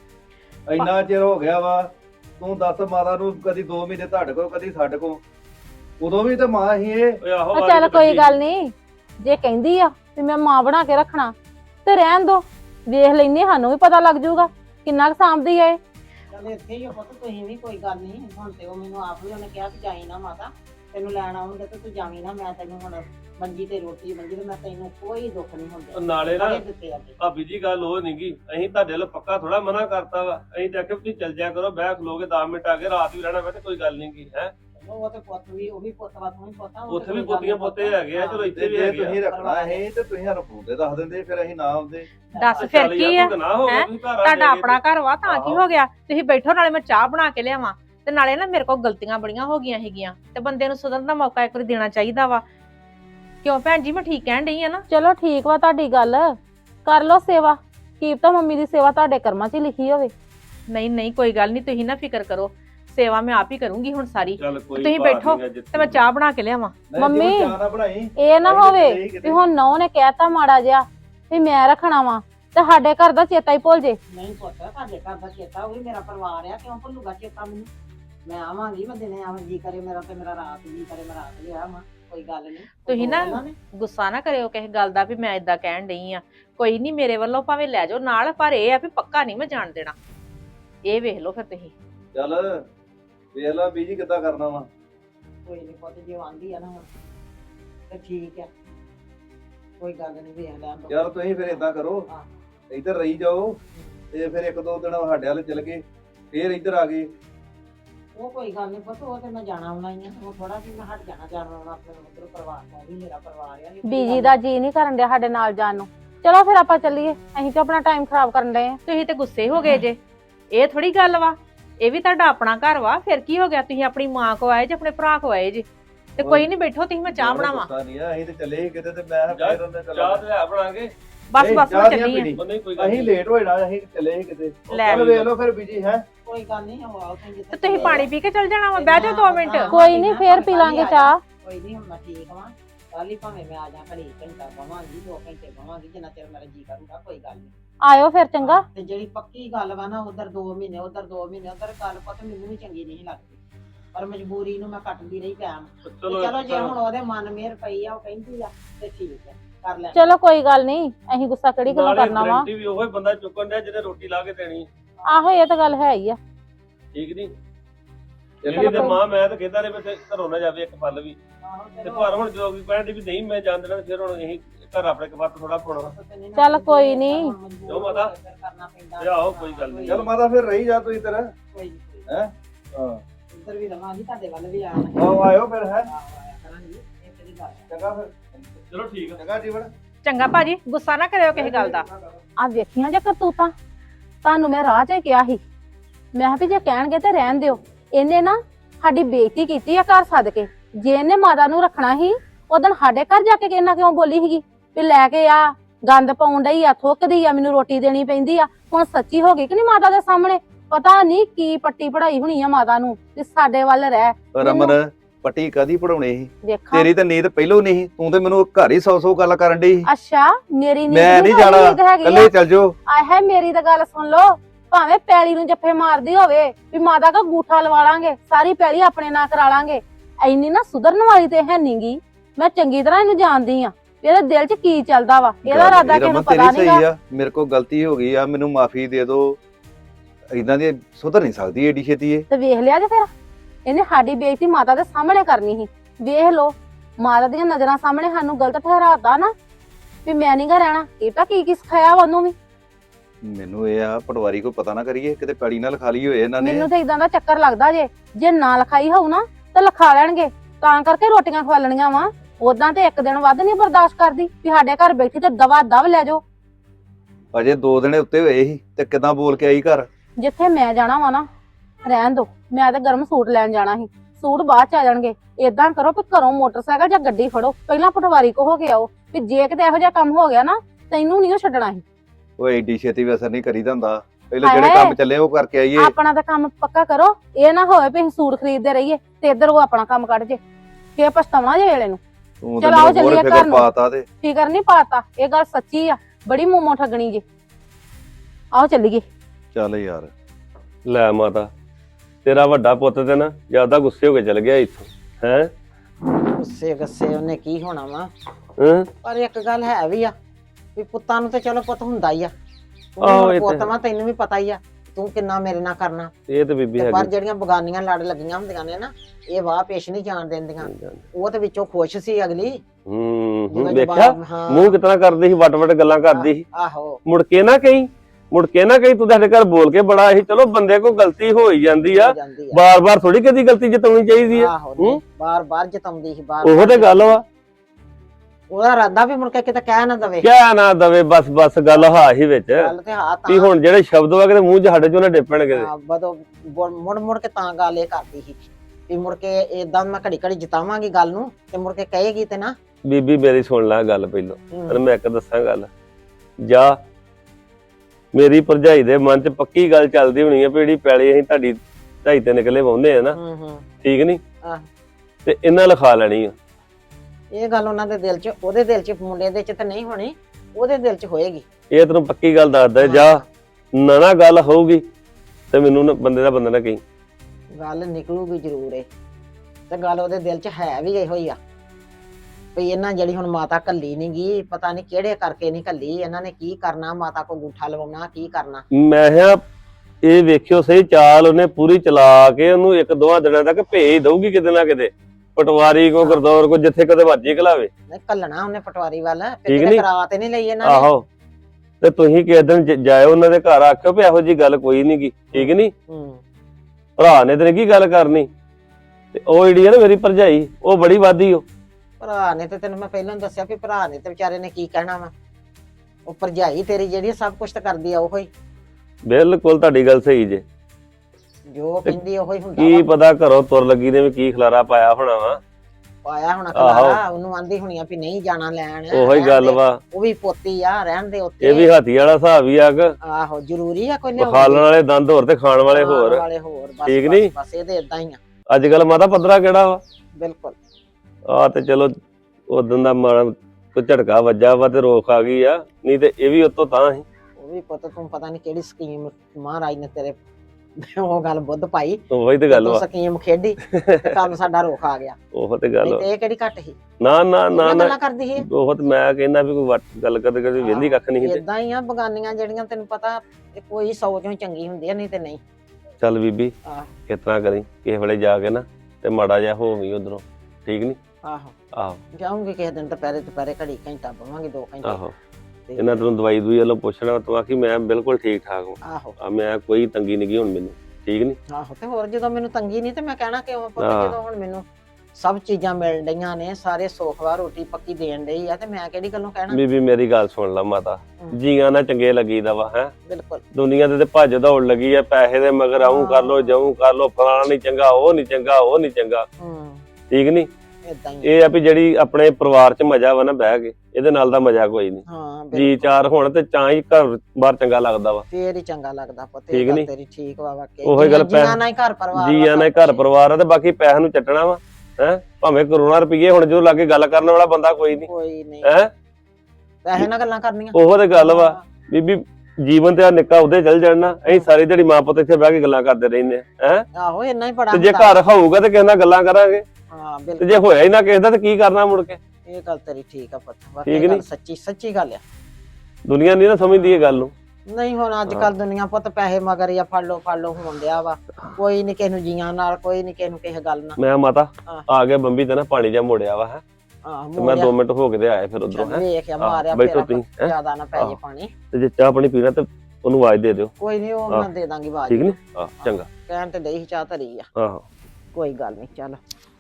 Speaker 2: ਇੰਨਾ ਚਿਰ ਹੋ ਗਿਆ ਵਾ। ਤੂੰ ਦੱਸ, ਮਾਤਾ ਨੂੰ ਕਦੀ ਦੋ ਮਹੀਨੇ ਤੁਹਾਡੇ ਕੋਲ, ਕਦੀ ਸਾਡੇ ਕੋਲ। ਉਦੋਂ ਵੀ ਤੇ ਮਾਂ ਹੀ ਇਹ।
Speaker 4: ਓਏ ਆਹੋ
Speaker 6: ਉਹ
Speaker 4: ਵਾਰੀ
Speaker 6: ਚੱਲ
Speaker 4: ਤੇ
Speaker 6: ਕੋਈ
Speaker 4: ਬੱਚੀ।
Speaker 6: ਗੱਲ ਨਹੀਂ, ਜੇ ਕਹਿੰਦੀ ਆ ਵੀ ਮੈਂ ਮਾਂ ਬਣਾ ਕੇ ਰੱਖਣਾ ਤੇ ਰਹਿਣ ਦੋ, ਵੇਖ ਲੈਨੇ, ਸਾਨੂੰ ਵੀ ਪਤਾ ਲੱਗ ਜਾਊਗਾ ਕਿੰਨਾ ਕੁ ਸਾਂਭਦੀ ਐ।
Speaker 3: ਚਲੋ ਇੱਥੇ ਹੀ ਆ ਪੁੱਤ, ਤੁਸੀਂ ਵੀ ਕੋਈ ਗੱਲ ਨਹੀਂ। ਹੁਣ ਤੇ ਉਹ ਮੈਨੂੰ ਆਪ ਵੀ ਉਹਨੇ ਕਿਹਾ ਵੀ ਜਾਈ ਨਾ ਮਾਤਾ, ਤੈਨੂੰ ਲੈਣ ਆਉਂਗੇ ਤੇ ਤੂੰ ਜਾਵੀਂ ਨਾ, ਮੈਂ ਤੈਨੂੰ ਹੁਣ ਮੰਜੀ ਤੇ ਰੋਟੀ ਮੰਜੀ ਤੇ ਮੈਂ ਤੈਨੂੰ ਕੋਈ ਦੁੱਖ ਨਹੀਂ
Speaker 4: ਉਹ
Speaker 3: ਹੁੰਦਾ।
Speaker 4: ਨਾਲੇ ਨਾ
Speaker 3: ਬੜੇ ਦਿੱਤੇ ਅੱਗੇ।
Speaker 4: ਭਾਬੀ ਜੀ ਗੱਲ ਉਹ ਨਹੀਂਗੀ, ਅਸੀਂ ਤੁਹਾਡੇ ਵੱਲ ਪੱਕਾ ਥੋੜਾ ਮਨਾ ਕਰਤਾ ਵਾ। ਅਸੀਂ ਤਾਂ ਆਖਿਆ ਵੀ ਤੁਸੀਂ ਚੱਲ ਜਾਇਆ ਕਰੋ, ਬਹਿ ਖਲੋਗੇ ਦਸ ਮਿੰਟ ਆ ਕੇ ਰਾਤ ਵੀ ਰਹਿਣਾ ਵਾ ਤੇ ਕੋਈ ਗੱਲ ਨਹੀਂਗੀ ਹੈ।
Speaker 3: ਉਹ ਤੇ ਪੁੱਤ ਵੀ, ਉਹ ਵੀ ਪੁੱਤ ਵਾ, ਤੂੰ ਵੀ ਪੁੱਤ ਆ।
Speaker 4: ਉੱਥੇ ਵੀ ਪੋਤੀਆਂ ਪੋਤੇ ਹੈਗੇ ਆ, ਚਲੋ ਇੱਥੇ
Speaker 2: ਤੇ
Speaker 4: ਵੀ
Speaker 2: ਜੇ
Speaker 4: ਹੈਗੇ
Speaker 2: ਤੁਸੀਂ
Speaker 4: ਆ।
Speaker 2: ਰੱਖਣਾ ਹੈ ਤੇ ਤੁਸੀਂ ਸਾਨੂੰ ਫੋਨ ਤੇ ਦੱਸ ਦਿੰਦੇ, ਫਿਰ ਅਸੀਂ ਨਾ ਆਉਂਦੇ।
Speaker 5: ਦੱਸ ਫਿਰ
Speaker 4: ਚੱਲ
Speaker 5: ਕੀ
Speaker 4: ਯਾਰ,
Speaker 5: ਆ
Speaker 4: ਤੂੰ ਤਾਂ ਨਾ ਹੋ ਗਿਆ,
Speaker 5: ਹੈਂ?
Speaker 4: ਤੁਸੀਂ ਘਰ ਆ
Speaker 5: ਤੁਹਾਡਾ
Speaker 4: ਜਾਈਏ
Speaker 5: ਆਪਣਾ ਘਰ ਵਾ ਤਾਂ ਕੀ
Speaker 4: ਆਹੋ।
Speaker 5: ਹੋ ਗਿਆ? ਤੁਸੀਂ ਬੈਠੋ, ਨਾਲੇ ਮੈਂ ਚਾਹ ਬਣਾ ਕੇ ਲਿਆਵਾਂ ਤੇ ਨਾਲੇ ਨਾ ਮੇਰੇ ਕੋਲ ਗਲਤੀਆਂ ਬੜੀਆਂ ਹੋ ਗਈਆਂ ਹੈਗੀਆਂ ਤੇ ਬੰਦੇ ਨੂੰ ਸੁਧਰਨ ਦਾ ਮੌਕਾ ਇੱਕ ਵਾਰੀ ਦੇਣਾ ਚਾਹੀਦਾ ਵਾ। ਕਿਉਂ ਭੈਣ ਜੀ, ਮੈਂ ਠੀਕ ਕਹਿਣ ਡਈ ਆ ਨਾ?
Speaker 6: ਚਲੋ ਠੀਕ ਵਾ ਤੁਹਾਡੀ ਗੱਲ, ਕਰ ਲਓ ਸੇਵਾ। ਕੀ ਪਤਾ ਮੰਮੀ ਦੀ ਸੇਵਾ ਤੁਹਾਡੇ ਕਰਮਾਂ 'ਚ ਹੀ ਲਿਖੀ ਹੋਵੇ।
Speaker 5: ਨਹੀਂ ਨਹੀਂ ਕੋਈ ਗੱਲ ਨਹੀਂ, ਤੁਸੀਂ ਨਾ ਫਿਕਰ ਕਰੋ, ਸੇਵਾ ਮੈਂ ਆਪ ਹੀ ਕਰੂੰਗੀ ਹੁਣ ਸਾਰੀ।
Speaker 4: ਚੱਲ ਕੋਈ
Speaker 5: ਤੁਸੀਂ
Speaker 4: ਭਾਰ
Speaker 5: ਬੈਠੋ
Speaker 4: ਨੀ ਗਾ ਜਿੱਥੇ
Speaker 5: ਤੇ ਮੈਂ ਚਾਹ ਬਣਾ ਕੇ ਲਿਆਵਾਂ।
Speaker 2: ਨਹੀਂ,
Speaker 6: ਮੰਮੀ,
Speaker 2: ਜੇ ਚਾਹ ਨਾ ਬਣਾਈ
Speaker 6: ਇਹ ਨਾ
Speaker 2: ਅਸੀਂ
Speaker 6: ਹੋਵੇ
Speaker 2: ਤੇ ਗਏ ਕਿਤੇ।
Speaker 6: ਵੀ ਹੁਣ ਨੌ ਨੇ ਕਹਿਤਾ ਮਾੜਾ ਜਿਹਾ ਵੀ ਮੈਂ ਰੱਖਣਾ ਵਾ ਤੇ ਸਾਡੇ ਘਰ ਦਾ ਚੇਤਾ ਹੀ ਭੁੱਲ ਜੇ।
Speaker 3: ਨਹੀਂ ਪੁੱਤ, ਤੁਹਾਡੇ ਘਰ ਦਾ ਚੇਤਾ, ਉਹ ਵੀ ਮੇਰਾ ਪਰਿਵਾਰ ਆ, ਕਿਉਂ ਭੁੱਲੂਗਾ ਚੇਤਾ ਮੈਨੂੰ? ਮੈਂ ਆਵਾਂਗੀ, ਮੈਂ ਦਿਨੇ ਆਵਾਂ, ਜੀ ਕਰੇ ਮੇਰਾ ਤੇ ਮੇਰਾ ਰਾਤ ਜੀ ਕਰੇ ਮੈਂ ਰਾਤ ਵੀ ਆਵਾਂ, ਕੋਈ ਗੱਲ ਨਹੀਂ।
Speaker 5: ਤੁਸੀਂ ਨਾ ਗੁੱਸਾ ਨਾ ਕਰਿਓ ਕਿਸੇ ਗੱਲ ਦਾ ਵੀ ਮੈਂ ਇਦਾਂ ਕਹਿਣ ਡਈ ਆ। ਕੋਈ ਨਹੀਂ, ਮੇਰੇ ਵੱਲੋਂ ਭਾਵੇਂ ਲੈ ਜਾਓ ਨਾਲ, ਪਰ ਇਹ ਆ ਵੀ ਪੱਕਾ ਨਹੀਂ ਮੈਂ ਜਾਣ ਦੇਣਾ। ਇਹ ਵੇਖ ਲਓ ਫਿਰ ਤੁਸੀਂ।
Speaker 2: ਚੱਲ ਵੇਖ ਲਾ ਬੀਜੀ ਕਿੱਦਾਂ ਕਰਨਾ ਵਾ।
Speaker 3: ਕੋਈ ਨਹੀਂ ਪੁੱਤ, ਜੇ ਆਂਦੀ ਆ ਨਾ ਹੁਣ ਤੇ ਠੀਕ ਆ, ਕੋਈ ਗੱਲ ਨਹੀਂ, ਵੇਖ ਲੈਣ ਦੋ।
Speaker 2: ਯਾਰ ਤੁਸੀਂ ਫਿਰ ਇਦਾਂ ਕਰੋ,
Speaker 3: ਹਾਂ।
Speaker 2: ਇੱਧਰ ਰਹੀ ਜਾਓ ਤੇ ਫਿਰ ਇੱਕ ਦੋ ਦਿਨ ਸਾਡੇ ਵੱਲ ਚਲ ਗਏ, ਫਿਰ ਇੱਧਰ ਆ ਗਏ।
Speaker 3: ਉਹ ਕੋਈ ਗੱਲ ਨਹੀਂ ਪੁੱਤ, ਉਹ ਤੇ ਮੈਂ ਜਾਣਾ ਆਉਣਾ ਹੀ ਆ, ਉਹ ਥੋੜਾ ਵੀ ਮੈਂ ਹਟ ਜਾਣਾ ਜਾਣਾ ਆਉਣਾ ਆਪਣੇ ਉਧਰ ਪਰਿਵਾਰ ਦਾ, ਵੀ ਮੇਰਾ ਪਰਿਵਾਰ ਆ। ਇਹ ਕੋਈ
Speaker 6: ਬੀਜੀ
Speaker 3: ਗੱਲ
Speaker 6: ਦਾ ਜੀ ਨਹੀਂ ਕਰਨ ਡਿਆ ਸਾਡੇ ਨਾਲ ਜਾਣ ਨੂੰ। ਚਲੋ ਫਿਰ ਆਪਾਂ ਚੱਲੀਏ, ਅਸੀਂ ਤੇ ਆਪਣਾ ਟਾਈਮ ਖਰਾਬ ਕਰਨ ਡਏ ਆ।
Speaker 5: ਤੁਸੀਂ ਤੇ ਗੁੱਸੇ ਹੋ ਗਏ ਜੇ, ਇਹ ਥੋੜੀ ਗੱਲ ਵਾ। ਇਹ ਵੀ ਤੁਹਾਡਾ ਆਪਣਾ ਘਰ ਵਾ, ਫਿਰ ਕੀ ਹੋ ਗਿਆ? ਤੁਸੀਂ ਆਪਣੀ ਮਾਂ ਕੋ ਆਏ ਜੇ ਆਪਣੇ ਭਰਾ ਕੋ ਆਏ ਜੇ ਤੇ ਕੋਈ ਨਹੀਂ, ਬੈਠੋ ਤੁਸੀਂ, ਮੈਂ ਚਾਹ ਬਣਾਵਾਂ।
Speaker 2: ਗੁੱਸਾ ਨਹੀਂ ਆ, ਅਸੀਂ ਤੇ ਚੱਲੇ ਸੀ ਕਿਤੇ ਤੇ ਮੈਂ
Speaker 4: ਜਾ-
Speaker 2: ਫਿਰ ਉਹਨੇ
Speaker 4: ਚਾਹ ਤੇ ਲੈ ਬਣਾ ਕੇ।
Speaker 5: ਬਸ
Speaker 2: ਨਹੀਂ,
Speaker 5: ਬਸ
Speaker 2: ਚਾਹ
Speaker 5: ਮੈਂ
Speaker 2: ਨੀ
Speaker 5: ਚੱਲੀ ਆ।
Speaker 2: ਪੀਣੀ।
Speaker 4: ਉਹ ਨਹੀਂ ਕੋਈ ਗੱਲ
Speaker 2: ਅਸੀਂ
Speaker 4: ਨੀ।
Speaker 2: ਲੇਟ ਹੋ ਜਾਣਾ, ਅਸੀਂ ਚੱਲੇ ਸੀ ਕਿਤੇ।
Speaker 5: ਲੈ
Speaker 2: ਚਲ ਵੇਖ ਲਓ ਫਿਰ ਬੀਜੀ ਹੈ।
Speaker 3: ਕੋਈ ਗੱਲ ਨਹੀਂ, ਉਹ ਆਓ ਤੁਸੀਂ
Speaker 5: ਤੇ ਤੁਸੀਂ ਪਾਣੀ ਪੀ ਕੇ ਚੱਲ ਜਾਣਾ ਵਾ, ਬਹਿ ਜਾਓ ਦੋ ਮਿੰਟ।
Speaker 6: ਕੋਈ ਨਹੀਂ, ਫੇਰ ਪੀ ਲਾਂਗੇ ਚਾਹ।
Speaker 3: ਕੋਈ ਨਹੀਂ, ਹੁਣ ਮੈਂ ਠੀਕ ਵਾਂ, ਕੱਲ ਹੀ ਭਾਵੇਂ ਮੈਂ ਆ ਜਾ, ਘੜੀ ਘੰਟਾ ਬਵਾਂਗੀ, ਦੋ ਘੰਟੇ ਬਵਾਂਗੀ, ਜਿੰਨਾ ਚਿਰ ਮੇਰਾ ਜੀ ਕਰੂਗਾ, ਕੋਈ ਗੱਲ ਨਹੀਂ।
Speaker 6: ਆਇਓ ਫਿਰ ਚੰਗਾ।
Speaker 3: ਤੇ ਜਿਹੜੀ ਪੱਕੀ ਗੱਲ ਵਾ ਨਾ, ਉਧਰ ਦੋ ਮਹੀਨੇ ਉਧਰ ਦੋ ਮਹੀਨੇ ਉਧਰ, ਗੱਲ ਪਤਾ ਮੈਨੂੰ ਵੀ ਚੰਗੀ ਨਹੀਂ ਲੱਗਦੀ, ਪਰ ਮਜਬੂਰੀ ਨੂੰ ਮੈਂ ਕੱਟਦੀ ਰਹੀ ਟਾਈਮ।
Speaker 4: ਚਲੋ
Speaker 3: ਚਲੋ ਜੇ ਹੁਣ ਉਹਦੇ ਮਨ ਮੇਰ ਪਈ ਆ, ਉਹ ਕਹਿੰਦੀ ਆ ਤੇ ਠੀਕ ਹੈ, ਕਰ ਲੈ।
Speaker 6: ਚਲੋ ਕੋਈ ਗੱਲ ਨਹੀਂ, ਅਸੀਂ ਗੁੱਸਾ ਕਿਹੜੀ ਗੱਲੋਂ
Speaker 4: ਨਾਲੇ
Speaker 6: ਕਰਨਾ ਵਾ।
Speaker 4: ਗਰੰਟੀ ਵੀ ਉਹੀ ਬੰਦਾ ਚੁੱਕਣ ਡਿਆ ਜਿਹਨੇ ਰੋਟੀ ਲਾ ਕੇ ਦੇਣੀ।
Speaker 6: ਆਹੋ ਇਹ ਤਾਂ ਗੱਲ ਹੈ ਹੀ ਆ।
Speaker 4: ਠੀਕ ਨਹੀਂ?
Speaker 2: ਚਲੋ
Speaker 4: ਇਹਦੀ ਤੇ
Speaker 6: ਕੋਈ-
Speaker 4: ਮਾਂ ਮੈਂ ਤਾਂ ਕਹਿੰਦਾ ਰਹੇ ਵੀ ਘਰੋਂ ਨਾ ਜਾਵੇ ਇੱਕ ਪਲ ਵੀ।
Speaker 3: ਆਹੋ,
Speaker 4: ਤੇ
Speaker 3: ਚਲੋ।
Speaker 4: ਪਰ ਹੁਣ ਜੋ ਵੀ ਕਹਿੰਦੀ ਵੀ ਨਹੀਂ ਮੈਂ ਜਾਣ ਦੇਣਾ, ਤੇ ਫਿਰ ਹੁਣ ਇਹ ਘਰ ਆਪਣੇ ਕਪੱਤ ਥੋੜਾ ਪਾਉਣਾ।
Speaker 6: ਚੱਲ ਕੋਈ ਨੀ।
Speaker 4: ਜੋ ਮਾਤਾ।
Speaker 3: ਕਰਨਾ ਪੈਂਦਾ।
Speaker 4: ਤੇ ਆਹੋ, ਕੋਈ ਗੱਲ ਨੀ।
Speaker 2: ਚਲ ਮਾਤਾ ਫਿਰ ਰਹੀ ਜਾ ਤੁਸੀਂ ਤੇਰਾ।
Speaker 3: ਕੋਈ ਨੀ, ਕੋਈ ਨੀ।
Speaker 2: ਹੈਂ? ਹਾਂ
Speaker 3: ਇੱਧਰ ਵੀ ਰਵਾਂਗੀ, ਤੁਹਾਡੇ ਵੱਲ ਵੀ ਆਉਣਾ।
Speaker 2: ਆਓ ਆਇਓ ਫਿਰ ਹੈ।
Speaker 3: ਕਰਾਂਗੀ, ਇਹ ਕਿਹੜੀ ਗੱਲ ਹੈ।
Speaker 2: ਚੰਗਾ ਫਿਰ,
Speaker 4: ਚਲੋ ਠੀਕ ਆ।
Speaker 2: ਚੰਗਾ ਜੀਵਨ।
Speaker 5: ਚੰਗਾ ਭਾਜੀ, ਗੁੱਸਾ ਨਾ ਕਰਿਓ ਕਿਸੇ ਗੱਲ ਦਾ।
Speaker 6: ਆ ਵੇਖੀਆਂ ਜੇ ਕਰਤੂਤਾਂ, ਤੁਹਾਨੂੰ ਮੈਂ ਰਾਹ 'ਚ ਹੀ ਕਿਹਾ ਸੀ, ਮੈਂ ਕਿਹਾ ਵੀ ਜੇ ਕਹਿਣਗੇ ਤੇ ਰਹਿਣ ਦਿਓ। ਇਹਨੇ ਨਾ ਸਾਡੀ ਬੇਇੱਜ਼ਤੀ ਕੀਤੀ ਆ ਘਰ ਸੱਦ ਕੇ। ਜੇ ਇਹਨੇ ਮਾਤਾ ਨੂੰ ਰੱਖਣਾ ਸੀ, ਉਦੋਂ ਸਾਡੇ ਘਰ ਜਾ ਕੇ ਇਹਨਾਂ ਕਿਉਂ ਬੋਲੀ ਸੀਗੀ ਵੀ ਲੈ ਕੇ ਆ, ਗੰਦ ਪਾਉਣ ਡਈ ਆ, ਥੁੱਕਦੀ ਆ, ਮੈਨੂੰ ਰੋਟੀ ਦੇਣੀ ਪੈਂਦੀ ਆ। ਹੁਣ ਸੱਚੀ ਹੋ ਗਈ ਕਿ ਨਹੀਂ ਮਾਤਾ ਦੇ ਸਾਹਮਣੇ? ਪਤਾ ਨਹੀਂ ਕੀ ਪੱਟੀ ਪੜਾਈ ਹੋਣੀ ਆ ਮਾਤਾ ਨੂੰ ਤੇ ਸਾਡੇ ਵੱਲ ਰਹਿ।
Speaker 2: ਰਮਨ ਪੱਟੀ ਕਾਦੀ ਪੜਾਉਣੀ ਸੀ?
Speaker 6: ਵੇਖਾਂ
Speaker 2: ਤੇਰੀ ਤਾਂ ਨੀਂਦ ਪਹਿਲੋਂ ਨਹੀਂ ਸੀ, ਤੂੰ ਤੇ ਮੈਨੂੰ ਘਰ ਹੀ ਸੌ ਸੌ ਗੱਲ ਕਰਨ ਡਈ ਸੀ।
Speaker 6: ਅੱਛਾ, ਮੇਰੀ ਨੀਂਦ
Speaker 2: ਮੈਂ ਨਹੀਂ ਜਾਣਾ,
Speaker 6: ਹੈਗੀ ਆ।
Speaker 2: ਕੱਲੇ ਚੱਲ ਜਾਓ।
Speaker 6: ਆਏ ਹੈ, ਮੇਰੀ ਤਾਂ ਗੱਲ ਸੁਣ ਲਓ। ਭਾਵੇਂ ਪੈਲੀ ਨੂੰ ਜੱਫੇ ਮਾਰਦੀ ਹੋਵੇ ਵੀ ਮਾਤਾ ਦਾ ਗੂਠਾ ਲਵਾ ਲਾਂਗੇ, ਸਾਰੀ ਪੈਲੀ ਆਪਣੇ ਨਾਂ ਕਰਾ ਲਾਂਗੇ, ਐਨੀ ਨਾ ਸੁਧਰਨ ਵਾਲੀ ਤੇ ਹੈ ਨਹੀਂਗੀ। ਮੈਂ ਚੰਗੀ ਤਰ੍ਹਾਂ ਇਹਨੂੰ ਜਾਣਦੀ ਆ, ਇਹਦੇ ਦਿਲ 'ਚ ਕੀ ਚੱਲਦਾ ਵਾ, ਇਹਦਾ
Speaker 2: ਗੱਲ
Speaker 6: ਇਰਾਦਾ
Speaker 2: ਇਹ
Speaker 6: ਕਿਸੇ ਨੂੰ
Speaker 2: ਰਮਨ
Speaker 6: ਪਤਾ
Speaker 2: ਤੇਰੀ ਸਹੀ
Speaker 6: ਨਹੀਂਗਾ।
Speaker 2: ਆ, ਮੇਰੇ ਕੋਲ ਗਲਤੀ ਹੋ ਗਈ ਆ, ਮੈਨੂੰ ਮਾਫੀ ਦੇ ਦਿਓ। ਇਦਾਂ ਦੀ ਸੁਧਰ ਨਹੀਂ ਸਕਦੀ ਏਡੀ ਛੇਤੀ ਇਹ।
Speaker 6: ਤੇ ਵੇਖ ਲਿਆ ਜੇ ਫਿਰ, ਇਹਨੇ ਸਾਡੀ ਬੇਇੱਜ਼ਤੀ ਮਾਤਾ ਦੇ ਸਾਹਮਣੇ ਕਰਨੀ ਸੀ। ਵੇਖ ਲੋ, ਮਾਤਾ ਦੀਆਂ ਨਜ਼ਰਾਂ ਸਾਹਮਣੇ ਸਾਨੂੰ ਗਲਤ ਠਹਿਰਾਤਾ ਨਾ ਵੀ ਮੈਂ ਨੀ ਗਾ ਰਹਿਣਾ। ਇਹ ਤਾਂ ਕੀ ਕੀ ਸਿਖਾਇਆ ਵਾ ਉਹਨੂੰ ਵੀ।
Speaker 2: ਮੈਨੂੰ ਇਹ ਆ ਪਟਵਾਰੀ ਕੋਈ ਪਤਾ ਨਾ ਕਰੀਏ, ਕਿਤੇ ਪੈੜੀ ਨਾਲ ਲਿਖਾ ਲਈ ਹੋਏ ਇਹਨਾਂ ਨੇ।
Speaker 6: ਮੈਨੂੰ ਤਾਂ ਇਦਾਂ ਦਾ ਚੱਕਰ ਲੱਗਦਾ ਜੇ ਜੇ ਨਾ ਲਿਖਾਈ ਹੋਊ ਨਾ ਤਾਂ ਲਿਖਾ ਲੈਣਗੇ, ਤਾਂ ਕਰਕੇ ਰੋਟੀਆਂ ਖਵਾ ਲੈਣੀਆਂ ਵਾ। ਉਦਾਂ ਤੇ ਇੱਕ ਦਿਨ ਵੱਧ ਨਹੀਂ ਬਰਦਾਸ਼ਤ ਕਰਦੀ ਵੀ ਸਾਡੇ ਘਰ ਬੈਠੀ ਤੇ ਦਵਾ ਦਵ ਲੈ ਜਾਓ।
Speaker 2: ਅਜੇ ਦੋ ਦਿਨੇ ਉੱਤੇ ਹੋਏ ਸੀ ਤੇ ਕਿਦਾਂ ਬੋਲ ਕੇ ਆਈ ਘਰ।
Speaker 6: ਜਿੱਥੇ ਮੈਂ ਜਾਣਾ ਵਾ ਨਾ, ਰਹਿਣ ਦੋ। ਮੈਂ ਤਾਂ ਗਰਮ ਸੂਟ ਲੈਣ ਜਾਣਾ ਸੀ, ਸੂਟ ਬਾਅਦ ਚ ਆ ਜਾਣਗੇ। ਏਦਾਂ ਕਰੋ ਕਿ ਘਰੋਂ ਮੋਟਰਸਾਈਕਲ ਜਾਂ ਗੱਡੀ ਫੜੋ, ਪਹਿਲਾਂ ਪਟਵਾਰੀ ਕੋ ਹੋ ਕੇ ਆਓ ਵੀ ਜੇ ਕਿਤੇ ਇਹੋ ਜਿਹਾ ਕੰਮ ਹੋ ਗਿਆ ਨਾ ਤੈਨੂੰ ਨਹੀਂ ਉਹ ਛੱਡਣਾ ਸੀ।
Speaker 2: ਉਹ ਏਡੀ ਛੇਤੀ ਵੀ ਅਸਰ ਨਹੀਂ ਕਰੀਦਾ ਹੁੰਦਾ, ਪਹਿਲੇ
Speaker 6: ਹਾਏ
Speaker 2: ਜਿਹੜੇ
Speaker 6: ਹਾਏ।
Speaker 2: ਕੰਮ ਚੱਲੇ ਉਹ ਕਰਕੇ ਆਈਏ।
Speaker 6: ਆਪਣਾ ਤਾਂ ਕੰਮ ਪੱਕਾ ਕਰੋ, ਇਹ ਨਾ ਹੋਵੇ ਵੀ ਅਸੀਂ ਸੂਟ ਖਰੀਦਦੇ ਰਹੀਏ ਤੇ ਇੱਧਰ ਉਹ ਆਪਣਾ ਕੰਮ ਕੱਢ ਜੇ, ਫੇਰ ਪਛਤਾਉਣਾ ਜੇ ਵੇਲੇ ਨੂੰ।
Speaker 2: ਤੂੰ
Speaker 6: ਚਲੋ
Speaker 2: ਤਾਂ
Speaker 6: ਆਓ
Speaker 2: ਮੈਨੂੰ ਹੋਰ
Speaker 6: ਚੱਲੀਏ ਘਰ
Speaker 2: ਫਿਕਰ
Speaker 6: ਨੂੰ।
Speaker 2: ਪਾਤਾ ਤੇ
Speaker 6: ਫਿਕਰ ਨਹੀਂ ਪਾਤਾ, ਇਹ ਗੱਲ ਸੱਚੀ ਆ, ਬੜੀ ਮੋਮੋ ਠੱਗਣੀ ਜੇ। ਆਓ ਚੱਲੀਏ।
Speaker 2: ਚੱਲ ਯਾਰ।
Speaker 4: ਲੈ ਮਾਤਾ, ਤੇਰਾ ਵੱਡਾ ਪੁੱਤ ਤੇ ਨਾ ਜਿਆਦਾ ਗੁੱਸੇ ਹੋ ਕੇ ਚਲ ਗਿਆ ਇੱਥੋਂ। ਹੈ
Speaker 3: ਗੁੱਸੇ ਗੱਸੇ ਉਹਨੇ ਕੀ ਹੋਣਾ ਵਾ,
Speaker 4: ਹਾਂ
Speaker 3: ਪਰ ਇੱਕ ਗੱਲ ਹੈ ਵੀ ਆ ਵੀ ਪੁੱਤਾਂ ਨੂੰ ਤੇ ਚਲੋ ਪੁੱਤ ਹੁੰਦਾ ਹੀ ਆ। ਤੂੰ
Speaker 4: ਆਹੋ,
Speaker 3: ਹੁਣ
Speaker 4: ਇਹ ਤਾਂ
Speaker 3: ਪੁੱਤ
Speaker 4: ਹੈ।
Speaker 3: ਵਾ, ਤੈਨੂੰ ਵੀ ਪਤਾ ਹੀ ਆ ਤੂੰ ਕਿੰਨਾ ਮੇਰੇ ਨਾਲ ਕਰਨਾ।
Speaker 4: ਇਹ ਤੇ ਬੀਬੀ
Speaker 3: ਤੇ ਪਰ
Speaker 4: ਹੈਗੀ
Speaker 3: ਜਿਹੜੀਆਂ ਬਗਾਨੀਆਂ ਲੜ ਲੱਗੀਆਂ ਹੁੰਦੀਆਂ ਨੇ ਨਾ, ਇਹ ਵਾਹ ਪੇਸ਼ ਨਹੀਂ ਜਾਣ ਦਿੰਦੀਆਂ। ਉਹ ਤੇ ਵਿੱਚੋਂ ਖੁਸ਼ ਸੀ ਅਗਲੀ।
Speaker 4: ਹੂੰ
Speaker 3: ਜਦੋਂ
Speaker 4: ਹੂੰ ਵੇਖਿਆ
Speaker 3: ਜਵਾਬ- ਹਾਂ,
Speaker 4: ਮੂੰਹ ਕਿਤਨਾ ਕਰਦੀ ਸੀ, ਵਟ ਵਟ ਗੱਲਾਂ ਕਰਦੀ ਸੀ।
Speaker 3: ਆਹੋ
Speaker 4: ਮੁੜ ਕੇ ਨਾ ਕਹੀਂ ਮੁੜ ਕੇ ਨਾ ਕਹੀਂ ਤੂੰ ਸਾਡੇ ਘਰ ਬੋਲ ਕੇ ਬੜਾ ਸੀ। ਚਲੋ ਬੰਦੇ ਕੋਲ ਗਲਤੀ ਹੋ ਹੀ ਜਾਂਦੀ ਆ,
Speaker 3: ਹੋ ਜਾਂਦੀ ਆ।
Speaker 4: ਬਾਰ-ਬਾਰ ਥੋੜੀ ਕਦੀ ਗਲਤੀ ਜਤਾਉਣੀ ਚਾਹੀਦੀ ਆ।
Speaker 3: ਆਹੋ
Speaker 4: ਹੂੰ?
Speaker 3: ਬਾਰ ਬਾਰ ਜਤਾਉਂਦੀ ਸੀ ਬਾਰ
Speaker 4: ਉਹੋ ਤੇ ਗੱਲ ਵਾ,
Speaker 3: ਉਹਦਾ ਇਰਾਦਾ ਵੀ ਮੁੜ ਕੇ ਕਿਤੇ ਕਹਿ ਨਾ ਦਵੇ
Speaker 4: ਕਿਆ ਨਾ ਦਵੇ, ਬਸ ਬਸ ਗੱਲ ਹਾਂ ਹੀ ਵਿੱਚ
Speaker 3: ਗੱਲ ਤੇ ਹਾਂ
Speaker 4: ਵੀ
Speaker 3: ਤਾਂ
Speaker 4: ਹੁਣ ਜਿਹੜੇ ਸ਼ਬਦ ਵਾ ਕਿਤੇ ਮੂੰਹ 'ਚ ਸਾਡੇ 'ਚੋਂ ਨਾ ਡਿੱਪਣਗੇ।
Speaker 3: ਹਾਂ, ਬਦੋ ਮੁੜ ਮੁੜ ਮੁੜ ਕੇ ਤਾਂ ਗੱਲ ਇਹ ਕਰਦੀ ਸੀ ਵੀ ਮੁੜ ਕੇ ਏਦਾਂ ਮੈਂ ਘੜੀ ਘੜੀ ਜਿਤਾਵਾਂਗੀ ਗੱਲ ਨੂੰ ਤੇ ਮੁੜ ਕੇ ਕਹੇਗੀ ਤੇ ਨਾ।
Speaker 4: ਬੀਬੀ ਮੇਰੀ ਸੁਣ ਲੈ ਗੱਲ ਪਹਿਲੋਂ,
Speaker 3: ਹੂੰ,
Speaker 4: ਤੈਨੂੰ ਮੈਂ ਇੱਕ ਦੱਸਾਂ ਗੱਲ। ਜਾ ਮੇਰੀ ਭਰਜਾਈ ਦੇ ਮਨ 'ਚ ਪੱਕੀ ਗੱਲ ਚੱਲਦੀ ਹੋਣੀ ਆ ਵੀ ਜਿਹੜੀ ਪੈਲੀ ਅਸੀਂ ਤੁਹਾਡੀ ਢਾਈ ਤਿੰਨ ਕਿੱਲੇ ਵਾਹੁੰਦੇ ਆ ਨਾ,
Speaker 3: ਹੂੰ, ਹੂੰ।
Speaker 4: ਠੀਕ ਨੀ,
Speaker 3: ਆਹ।
Speaker 4: ਤੇ ਇਹਨਾਂ ਲਿਖਾ ਲੈਣੀ ਆ।
Speaker 3: ਇਹ ਗੱਲ ਉਹਨਾਂ ਦੇ ਦਿਲ 'ਚ, ਉਹਦੇ ਦਿਲ 'ਚ, ਮੁੰਡੇ ਦੇ 'ਚ ਤਾਂ ਨਹੀਂ ਹੋਣੀ, ਉਹਦੇ ਦਿਲ 'ਚ ਹੋਏਗੀ।
Speaker 4: ਇਹ ਤੈਨੂੰ ਪੱਕੀ ਗੱਲ ਦੱਸਦਾ। ਜਾ ਨਾ ਨਾ ਗੱਲ ਹੋਊਗੀ ਤੇ ਮੈਨੂੰ ਨਾ ਬੰਦੇ ਦਾ ਬੰਦਾ ਨਾ ਕਹੀਂ।
Speaker 3: ਗੱਲ ਨਿਕਲੂਗੀ ਜ਼ਰੂਰ ਏ, ਤੇ ਗੱਲ ਉਹਦੇ ਦਿਲ 'ਚ ਹੈ ਵੀ ਇਹੋ ਹੀ ਆ ਵੀ ਇਹਨਾਂ ਜਿਹੜੀ ਹੁਣ ਮਾਤਾ ਕੱਲੀ ਨੀ ਗੀ, ਪਤਾ ਨਹੀਂ ਕਿਹੜੇ ਕਰਕੇ ਨਹੀਂ ਕੱਲੀ, ਇਹਨਾਂ ਨੇ ਕੀ ਕਰਨਾ, ਮਾਤਾ ਕੋ ਅੰਗੂਠਾ ਲਵਾਉਣਾ, ਕੀ ਕਰਨਾ।
Speaker 4: ਮੈਂ ਕਿਹਾ ਇਹ ਵੇਖਿਓ ਸਹੀ ਚਾਲ ਉਹਨੇ ਪੂਰੀ ਚਲਾ ਕੇ ਉਹਨੂੰ ਇੱਕ ਦੋਹਾਂ ਦਿਨਾਂ ਤੱਕ ਭੇਜ ਦਊਗੀ ਕਿਤੇ ਨਾ ਕਿਤੇ, ਪਟਵਾਰੀ ਕੋ ਗੁਰਦੌਰ ਕੋ ਜਿੱਥੇ ਕਦੇ ਮਰਜੀ ਘਲਾਵੇ।
Speaker 3: ਨਹੀਂ ਕੱਲਣਾ ਉਹਨੇ ਪਟਵਾਰੀ ਵੱਲ,
Speaker 4: ਠੀਕ
Speaker 3: ਫਿਰ
Speaker 4: ਨੀ?
Speaker 3: ਕਰਾ ਤੇ ਨਹੀਂ ਲਈ ਇਹਨਾਂ ਨੇ।
Speaker 4: ਆਹੋ ਤੇ ਤੁਸੀਂ ਕਿਸੇ ਦਿਨ ਜ- ਜਾਇਓ ਉਹਨਾਂ ਦੇ ਘਰ, ਆਖਿਓ ਵੀ ਇਹੋ ਜੀ ਗੱਲ ਕੋਈ ਨੀ ਗੀ, ਠੀਕ ਨੀ।
Speaker 3: ਹੂੰ,
Speaker 4: ਭਰਾ ਨੇ ਤੇ ਕੀ ਗੱਲ ਕਰਨੀ, ਤੇ ਉਹ ਜਿਹੜੀ ਆ ਨਾ ਮੇਰੀ ਭਰਜਾਈ, ਉਹ ਬੜੀ ਵਾਦੀ ਉਹ।
Speaker 3: ਭਰਾ ਨੇ ਤੇ ਤੈਨੂੰ ਮੈਂ ਪਹਿਲਾਂ ਹੀ ਦੱਸਿਆ ਵੀ ਭਰਾ ਨੇ ਤੇ ਵਿਚਾਰੇ ਨੇ ਕੀ ਕਹਿਣਾ ਵਾ। ਉਹ ਭਰਜਾਈ ਤੇਰੀ ਜਿਹੜੀ ਆ, ਸਭ ਕੁਝ ਤਾਂ ਕਰਦੀ ਆ ਉਹੋ ਹੀ,
Speaker 4: ਬਿਲਕੁਲ ਤੁਹਾਡੀ ਗੱਲ ਸਹੀ ਜੇ।
Speaker 3: ਜੋ ਉਹ ਕਹਿੰਦੀ ਉਹੋ ਹੀ ਹੁੰਦਾ
Speaker 4: ਕੀ
Speaker 3: ਵਾ।
Speaker 4: ਪਤਾ ਘਰੋਂ ਤੁਰ ਲੱਗੀ ਨੇ ਵੀ ਕੀ ਖਲਾਰਾ ਪਾਇਆ ਹੋਣਾ ਵਾ।
Speaker 3: ਪਾਇਆ ਹੁਣ
Speaker 4: ਆਹੋ।
Speaker 3: ਖਲਾਰਾ, ਉਹਨੂੰ ਆਂਦੀ ਹੋਣੀ ਆ ਵੀ ਨਹੀਂ ਜਾਣਾ ਲੈਣ।
Speaker 4: ਉਹੋ ਹੀ
Speaker 3: ਰਹਿਣ
Speaker 4: ਗੱਲ
Speaker 3: ਦੇ।
Speaker 4: ਵਾ।
Speaker 3: ਉਹ ਵੀ ਪੋਤੀ ਆ, ਰਹਿਣ ਦੇ
Speaker 4: ਇਹ
Speaker 3: ਉੱਤੇ।
Speaker 4: ਵੀ ਹਾਥੀ ਵਾਲਾ ਹਿਸਾਬ ਹੀ ਆ ਕਿ
Speaker 3: ਆਹੋ ਜ਼ਰੂਰੀ ਆ ਕੋਈ
Speaker 4: ਖਾਣ ਵਾਲੇ ਦੰਦ ਹੋਰ ਤੇ ਖਾਣ ਵਾਲੇ ਹੋਰ।
Speaker 3: ਵਾਲੇ ਹੋਰ, ਬਸ
Speaker 4: ਠੀਕ
Speaker 3: ਬਸ,
Speaker 4: ਨੀ?
Speaker 3: ਬਸ ਇਹਦੇ ਇਦਾਂ ਹੀ ਆ।
Speaker 4: ਅੱਜ ਕੱਲ ਮਾਤਾ ਪੱਧਰਾ ਕਿਹੜਾ ਵਾ।
Speaker 3: ਬਿਲਕੁਲ।
Speaker 4: ਆ ਤੇ ਚਲੋ ਉਦੋਂ ਦਾ ਮਾੜਾ ਕੋਈ ਝਟਕਾ ਵੱਜਾ ਵਾ ਤੇ ਰੋਕ ਆ ਗਈ ਆ, ਨਹੀਂ ਤੇ ਇਹ ਵੀ ਉਤੋਂ ਤਾਂ ਸੀ।
Speaker 3: ਉਹ ਵੀ ਪੁੱਤ ਤੂੰ ਪਤਾ ਨਹੀਂ ਕਿਹੜੀ ਸਕੀਮ ਮਹਾਰਾਜ ਨੇ ਤੇਰੇ ਉਹ ਗੱਲ ਬੁੱਧ ਪਾਈ,
Speaker 4: ਉਹੀ ਤੇ ਗੱਲ
Speaker 3: ਤੂੰ
Speaker 4: ਵਾ,
Speaker 3: ਸਕੀਮ ਖੇਡੀ ਤੇ ਕੰਮ ਸਾਡਾ ਰੋਕ ਆ ਗਿਆ।
Speaker 4: ਉਹ ਤੇ ਗੱਲ
Speaker 3: ਨਹੀਂ
Speaker 4: ਵਾ।
Speaker 3: ਤੇ ਇਹ ਕਿਹੜੀ ਘੱਟ ਸੀ,
Speaker 4: ਨਾ ਨਾ ਨਾ
Speaker 3: ਇਹਨਾਂ
Speaker 4: ਨਾ
Speaker 3: ਗੱਲਾਂ ਕਰਦੀ ਸੀ।
Speaker 4: ਉਹ ਤੇ ਮੈਂ ਕਹਿੰਦਾ ਵੀ ਕੋਈ ਵੱਟ- ਗੱਲ ਕਰਦੇ ਕਰਦੇ ਵੇਂਦੀ ਕੱਖ ਨਹੀਂ ਤੇ
Speaker 3: ਇਦਾਂ ਹੀ ਆ ਬਗਾਨੀਆਂ ਜਿਹੜੀਆਂ ਤੈਨੂੰ ਪਤਾ, ਇਹ ਕੋਈ ਸੌ ਚੋਂ ਚੰਗੀ ਹੁੰਦੀ ਆ, ਨਹੀਂ ਤੇ ਨਹੀਂ।
Speaker 4: ਚੱਲ ਬੀਬੀ
Speaker 3: ਆਹ।
Speaker 4: ਇਸ ਤਰ੍ਹਾਂ ਕਰੀ ਕਿਸੇ ਵੇਲੇ ਜਾ ਕੇ ਨਾ ਤੇ ਮਾੜਾ ਜਿਹਾ ਹੋ ਗਈ ਉਧਰੋਂ, ਠੀਕ ਨੀ।
Speaker 3: ਆਹੋ
Speaker 4: ਆਹੋ
Speaker 3: ਜਾਊਂਗੀ ਕਿਸੇ ਦਿਨ ਦੁਪਹਿਰੇ ਦੁਪਹਿਰੇ ਘੜੀ ਘੰਟਾ ਬਵਾਂਗੇ, ਦੋ ਘੰਟੇ।
Speaker 4: ਆਹੋ
Speaker 3: ਤੇ
Speaker 4: ਇਹਨਾਂ ਤੈਨੂੰ ਦਵਾਈ ਦੂਈ ਵੱਲੋਂ ਪੁੱਛਣਾ, ਤੂੰ ਆਖੀ ਮੈਂ ਬਿਲਕੁਲ ਠੀਕ ਠਾਕ ਹਾਂ।
Speaker 3: ਆਹੋ
Speaker 4: ਆ ਮੈਂ ਕੋਈ ਤੰਗੀ ਨਹੀਂ ਗਈ ਹੁਣ ਮੈਨੂੰ, ਠੀਕ ਨੀ।
Speaker 3: ਆਹੋ ਤੇ ਹੋਰ ਜਦੋਂ ਮੈਨੂੰ ਤੰਗੀ ਨਹੀਂ ਤੇ ਮੈਂ ਕਹਿਣਾ ਕਿਉਂ ਪੁੱਤ,
Speaker 4: ਆਹ।
Speaker 3: ਜਦੋਂ ਹੁਣ ਮੈਨੂੰ ਸਭ ਚੀਜ਼ਾਂ ਮਿਲ ਡਈਆਂ ਨੇ, ਸਾਰੇ ਸੁੱਖ ਵਾ, ਰੋਟੀ ਪੱਕੀ ਦੇਣ ਡਈ ਆ, ਤੇ ਮੈਂ ਕਿਹੜੀ ਗੱਲੋਂ ਕਹਿਣਾ।
Speaker 4: ਬੀਬੀ ਮੇਰੀ ਗੱਲ ਸੁਣ ਲੈ ਮਾਤਾ,
Speaker 3: ਹਮ।
Speaker 4: ਜੀਆਂ ਨਾ ਚੰਗੇ ਲੱਗੀਦਾ ਵਾ ਹੈ।
Speaker 3: ਬਿਲਕੁਲ।
Speaker 4: ਦੁਨੀਆ ਦੇ ਤੇ ਭੱਜ ਦੌੜ ਲੱਗੀ ਆ, ਪੈਸੇ ਦੇ ਮਗਰ ਆਉਂ ਕਰ ਲੋ ਜਾਉਂ ਕਰ ਲੋ, ਫਲਾਣਾ ਨਹੀਂ ਚੰਗਾ, ਉਹ ਨਹੀਂ ਚੰਗਾ, ਉਹ ਨਹੀਂ ਚੰਗਾ,
Speaker 3: ਹੂੰ,
Speaker 4: ਠੀਕ ਨੀ।
Speaker 3: ਇਦਾਂ ਹੀ।
Speaker 4: ਇਹ ਆ ਵੀ ਜਿਹੜੀ ਆਪਣੇ ਪਰਿਵਾਰ 'ਚ ਮਜ਼ਾ ਵਾ ਨਾ ਬਹਿ ਕੇ, ਇਹਦੇ ਨਾਲ ਦਾ ਮਜ਼ਾ ਕੋਈ ਨਹੀਂ।
Speaker 3: ਹਾਂ
Speaker 4: ਜੀ
Speaker 3: ਬਿਲਕੁਲ,
Speaker 4: ਚਾਰ ਹੋਣ ਤੇ ਚਾਹ ਹੀ ਘਰ ਬਾਹਰ ਚੰਗਾ ਲੱਗਦਾ ਵਾ।
Speaker 3: ਫੇਰ ਹੀ ਚੰਗਾ ਲੱਗਦਾ ਪੁੱਤ।
Speaker 4: ਠੀਕ
Speaker 3: ਇਹ ਗੱਲ
Speaker 4: ਨੀ?
Speaker 3: ਤੇਰੀ ਠੀਕ ਵਾ ਵਾਕਈ।
Speaker 4: ਉਹੀ ਗੱਲ
Speaker 3: ਜੀਆਂ
Speaker 4: ਪੈ-
Speaker 3: ਨਾਲ ਹੀ ਘਰ ਪਰਿਵਾਰ
Speaker 4: ਜੀਆਂ ਨਾਲ ਘਰ ਪਰਿਵਾਰ ਆ, ਤੇ ਬਾਕੀ ਪੈਸਿਆਂ ਨੂੰ ਚੱਟਣਾ ਵਾ ਹੈ। ਭਾਵੇਂ ਕਰੋਨਾ ਰੁਪਈਏ ਹੁਣ ਜਦੋਂ ਲਾਗੇ ਗੱਲ ਕਰਨ ਵਾਲਾ ਬੰਦਾ ਕੋਈ ਨਹੀਂ
Speaker 3: ਕੋਈ ਨਹੀਂ,
Speaker 4: ਹੈ।
Speaker 3: ਪੈਸੇ ਨਾਲ ਗੱਲਾਂ ਕਰਨੀਆਂ।
Speaker 4: ਉਹੋ ਤੇ ਗੱਲ ਵਾ ਬੀਬੀ, ਜੀਵਨ ਤੇ ਆ ਨਿੱਕਾ ਉਹਦੇ ਚੱਲ ਜਾਣਾ, ਅਸੀਂ ਸਾਰੀ ਦਿਹਾੜੀ ਮਾਂ ਪੁੱਤ ਇੱਥੇ ਬਹਿ ਕੇ ਗੱਲਾਂ ਕਰਦੇ ਰਹਿੰਦੇ ਆ ਹੈ।
Speaker 3: ਆਹੋ ਇੰਨਾ ਹੀ ਬੜਾ
Speaker 4: ਤੇ ਜੇ
Speaker 3: ਹੁੰਦਾ।
Speaker 4: ਘਰ ਹੋਊਗਾ ਤੇ ਕਿਸੇ ਨਾਲ ਗੱਲਾਂ ਕਰਾਂਗੇ,
Speaker 3: ਹਾਂ
Speaker 4: ਤੇ
Speaker 3: ਬਿਲਕੁਲ,
Speaker 4: ਜੇ ਹੋਇਆ ਹੀ ਨਾ ਕਿਸੇ ਦਾ ਤੇ ਕੀ ਕਰਨਾ ਮੁੜ ਕੇ।
Speaker 3: ਇਹ ਗੱਲ ਤੇਰੀ ਠੀਕ ਆ ਪੁੱਤ,
Speaker 4: ਠੀਕ
Speaker 3: ਵਾਕਈ
Speaker 4: ਨੀ?
Speaker 3: ਗੱਲ ਸੱਚੀ ਸੱਚੀ ਗੱਲ ਆ।
Speaker 4: ਦੁਨੀਆ ਨਹੀਂ ਨਾ ਸਮਝਦੀ ਇਹ ਗੱਲ ਨੂੰ।
Speaker 3: ਨਹੀਂ ਹੁਣ ਅੱਜ ਕੱਲ ਦੁਨੀਆ ਪੁੱਤ ਪੈਸੇ ਮਗਰ ਜਾਂ ਫੜ ਲੋ ਫੜ ਲੋ ਹੋਣ ਡਿਆ ਵਾ। ਕੋਈ ਨੀ ਕਿਸੇ ਨੂੰ ਜੀਆਂ ਨਾਲ, ਕੋਈ ਨੀ ਕਿਸੇ ਨੂੰ ਕਿਸੇ ਗੱਲ ਨਾਲ।
Speaker 4: ਮੈਂ ਮਾਤਾ
Speaker 3: ਹਾਂ।
Speaker 4: ਆ ਗਿਆ ਬੰਬੀ ਤੇ ਨਾ ਪਾਣੀ ਜਾ ਮੋੜਿਆ ਵਾ ਹੈ,
Speaker 3: ਆਹ
Speaker 4: ਤੇ ਮੈਂ ਦੋ ਮਿੰਟ ਹੋ ਕੇ ਤੇ ਆਇਆ ਫਿਰ ਉਧਰੋਂ ਹੈ।
Speaker 3: ਵੇਖਿਆ ਮਾਰਿਆ
Speaker 4: ਬੈਠੋ
Speaker 3: ਫੇਰਾ,
Speaker 4: ਤੁਸੀਂ, ਹੈਂ?
Speaker 3: ਜ਼ਿਆਦਾ ਨਾ ਪੈ ਜੇ
Speaker 4: ਆਹ।
Speaker 3: ਪਾਣੀ।
Speaker 4: ਤੇ ਜੇ ਚਾਹ ਪਾਣੀ ਪੀਣਾ ਤੇ ਉਹਨੂੰ ਆਵਾਜ਼ ਦੇ ਦਿਓ,
Speaker 3: ਕੋਈ ਨਹੀਂ ਉਹ
Speaker 4: ਆਹ।
Speaker 3: ਮੈਂ ਦੇ ਦਾਂਗੀ ਆਵਾਜ਼।
Speaker 4: ਠੀਕ ਨੀ। ਆ ਚੰਗਾ।
Speaker 3: ਕਹਿਣ ਤੇ ਡਈ ਸੀ ਚਾਹ ਧਰੀ ਆ।
Speaker 4: ਆਹੋ
Speaker 3: ਕੋਈ ਗੱਲ ਨਹੀਂ, ਚੱਲ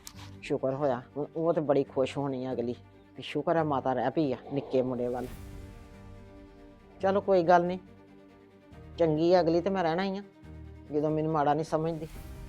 Speaker 3: ਸ਼ੁਕਰ ਹੋਇਆ। ਹੁਣ ਉਹ ਤੇ ਬੜੀ ਖੁਸ਼ ਹੋਣੀ ਆ ਅਗਲੀ ਵੀ ਸ਼ੁਕਰ ਹੈ ਮਾਤਾ ਰਹਿ ਪਈ ਆ ਨਿੱਕੇ ਮੁੰਡੇ ਵੱਲ। ਚਲੋ ਕੋਈ ਗੱਲ ਨਹੀਂ, ਚੰਗੀ ਆ ਅਗਲੀ ਤੇ ਮੈਂ ਰਹਿਣਾ ਹੀ ਆ, ਜਦੋਂ ਮੈਨੂੰ ਮਾੜਾ ਨਹੀਂ ਸਮਝਦੀ।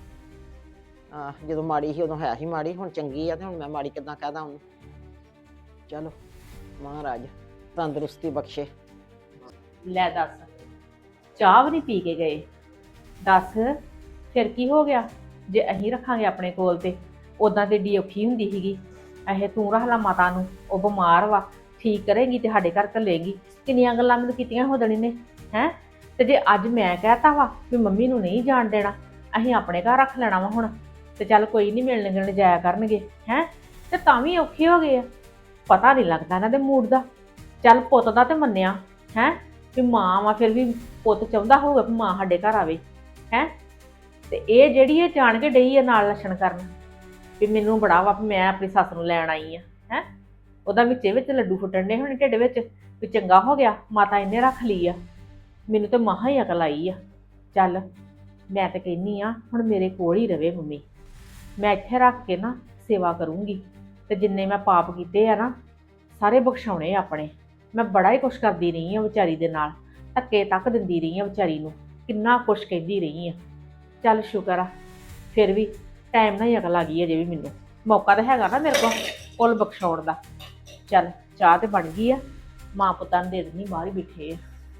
Speaker 3: ਆ ਜਦੋਂ ਮਾੜੀ ਸੀ ਉਦੋਂ ਹੈ ਹੀ ਮਾੜੀ, ਹੁਣ ਚੰਗੀ ਆ ਤੇ ਹੁਣ ਮੈਂ ਮਾੜੀ ਕਿੱਦਾਂ ਕਹਦਾ ਉਹਨੂੰ। ਚਲੋ ਮਹਾਰਾਜ ਤੰਦਰੁਸਤੀ ਬਖਸ਼ੇ।
Speaker 5: ਲੈ ਦੱਸ, ਚਾਹ ਵੀ ਨਹੀਂ ਪੀ ਕੇ ਗਏ। ਦੱਸ ਫਿਰ ਕੀ ਹੋ ਗਿਆ ਜੇ ਅਸੀਂ ਰੱਖਾਂਗੇ ਆਪਣੇ ਕੋਲ ਤੇ। ਉਦਾਂ ਤੇ ਡੀ ਔਖੀ ਹੁੰਦੀ ਸੀਗੀ, ਇਹ ਤੂੰ ਰੱਖ ਲਾ ਮਾਤਾ ਨੂੰ, ਉਹ ਬਿਮਾਰ ਵਾ, ਠੀਕ ਕਰੇਗੀ ਤੇ ਸਾਡੇ ਘਰ ਘੱਲੇਗੀ। ਕਿੰਨੀਆਂ ਗੱਲਾਂ ਮੈਨੂੰ ਕੀਤੀਆਂ ਹੋ ਦੇਣੀ ਨੇ ਹੈ। ਤੇ ਜੇ ਅੱਜ ਮੈਂ ਕਹਿਤਾ ਵਾ ਵੀ ਮੰਮੀ ਨੂੰ ਨਹੀਂ ਜਾਣ ਦੇਣਾ, ਅਸੀਂ ਆਪਣੇ ਘਰ ਰੱਖ ਲੈਣਾ ਵਾ ਹੁਣ, ਤੇ ਚੱਲ ਕੋਈ ਨਹੀਂ ਮਿਲਣ ਗਿਲਣ ਜਾਇਆ ਕਰਨਗੇ ਹੈ, ਤੇ ਤਾਂ ਵੀ ਔਖੇ ਹੋ ਗਏ ਆ। ਪਤਾ ਨਹੀਂ ਲੱਗਦਾ ਇਹਨਾਂ ਦੇ ਮੂਡ ਦਾ। ਚੱਲ ਪੁੱਤ ਦਾ ਤੇ ਮੰਨਿਆ ਹੈ, ਵੀ ਮਾਂ ਵਾ ਫਿਰ ਵੀ ਪੁੱਤ ਚਾਹੁੰਦਾ ਹੋਊਗਾ ਵੀ ਮਾਂ ਸਾਡੇ ਘਰ ਆਵੇ ਹੈ। ਤੇ ਇਹ ਜਿਹੜੀ ਇਹ ਜਾਣ ਕੇ ਡਈ ਆ ਨਾਲ ਲੱਛਣ ਕਰਨ ਵੀ ਮੈਨੂੰ ਬੜਾ ਵਾ ਵੀ ਮੈਂ ਆਪਣੀ ਸੱਸ ਨੂੰ ਲੈਣ ਆਈ ਆ ਹੈ। ਉਹਦਾ ਵਿੱਚੇ ਵਿੱਚ ਲੱਡੂ ਫੁੱਟਣ ਦੇ ਹੁਣ ਢਿੱਡ ਵਿੱਚ ਵੀ ਚੰਗਾ ਹੋ ਗਿਆ ਮਾਤਾ ਇਹਨੇ ਰੱਖ ਲਈ ਆ। ਮੈਨੂੰ ਤਾਂ ਮਹਾ ਹੀ ਅਕਲ ਆਈ ਆ। ਚੱਲ ਮੈਂ ਤਾਂ ਕਹਿੰਨੀ ਆ ਹੁਣ ਮੇਰੇ ਕੋਲ ਹੀ ਰਵੇ ਮੰਮੀ, ਮੈਂ ਇੱਥੇ ਰੱਖ ਕੇ ਨਾ ਸੇਵਾ ਕਰੂੰਗੀ ਤੇ ਜਿੰਨੇ ਮੈਂ ਪਾਪ ਕੀਤੇ ਆ ਨਾ ਸਾਰੇ ਬਖਸ਼ਾਉਣੇ ਆਪਣੇ। ਮੈਂ ਬੜਾ ਹੀ ਕੁਛ ਕਰਦੀ ਰਹੀ ਆ ਵਿਚਾਰੀ ਦੇ ਨਾਲ, ਧੱਕੇ ਤੱਕ ਦਿੰਦੀ ਰਹੀ ਆ ਵਿਚਾਰੀ ਨੂੰ, ਕਿੰਨਾ ਕੁਛ ਕਹਿੰਦੀ ਰਹੀ ਆ। ਚੱਲ ਸ਼ੁਕਰ ਆ ਫਿਰ ਵੀ ਟਾਈਮ ਨਾਲ ਹੀ ਅਕਲ ਆ ਗਈ ਅਜੇ ਵੀ ਮੈਨੂੰ, ਮੌਕਾ ਤਾਂ ਹੈਗਾ ਨਾ ਮੇਰੇ ਕੋਲ ਕੁੱਲ ਬਖਸ਼ਾਉਣ ਦਾ। ਚੱਲ ਚਾਹ ਤੇ ਬਣ ਗਈ ਆ, ਮਾਂ ਪੁੱਤਾਂ ਨੂੰ ਦੇ ਦਿੰਦੀ, ਬਾਹਰ ਹੀ ਬੈਠੇ ਆ।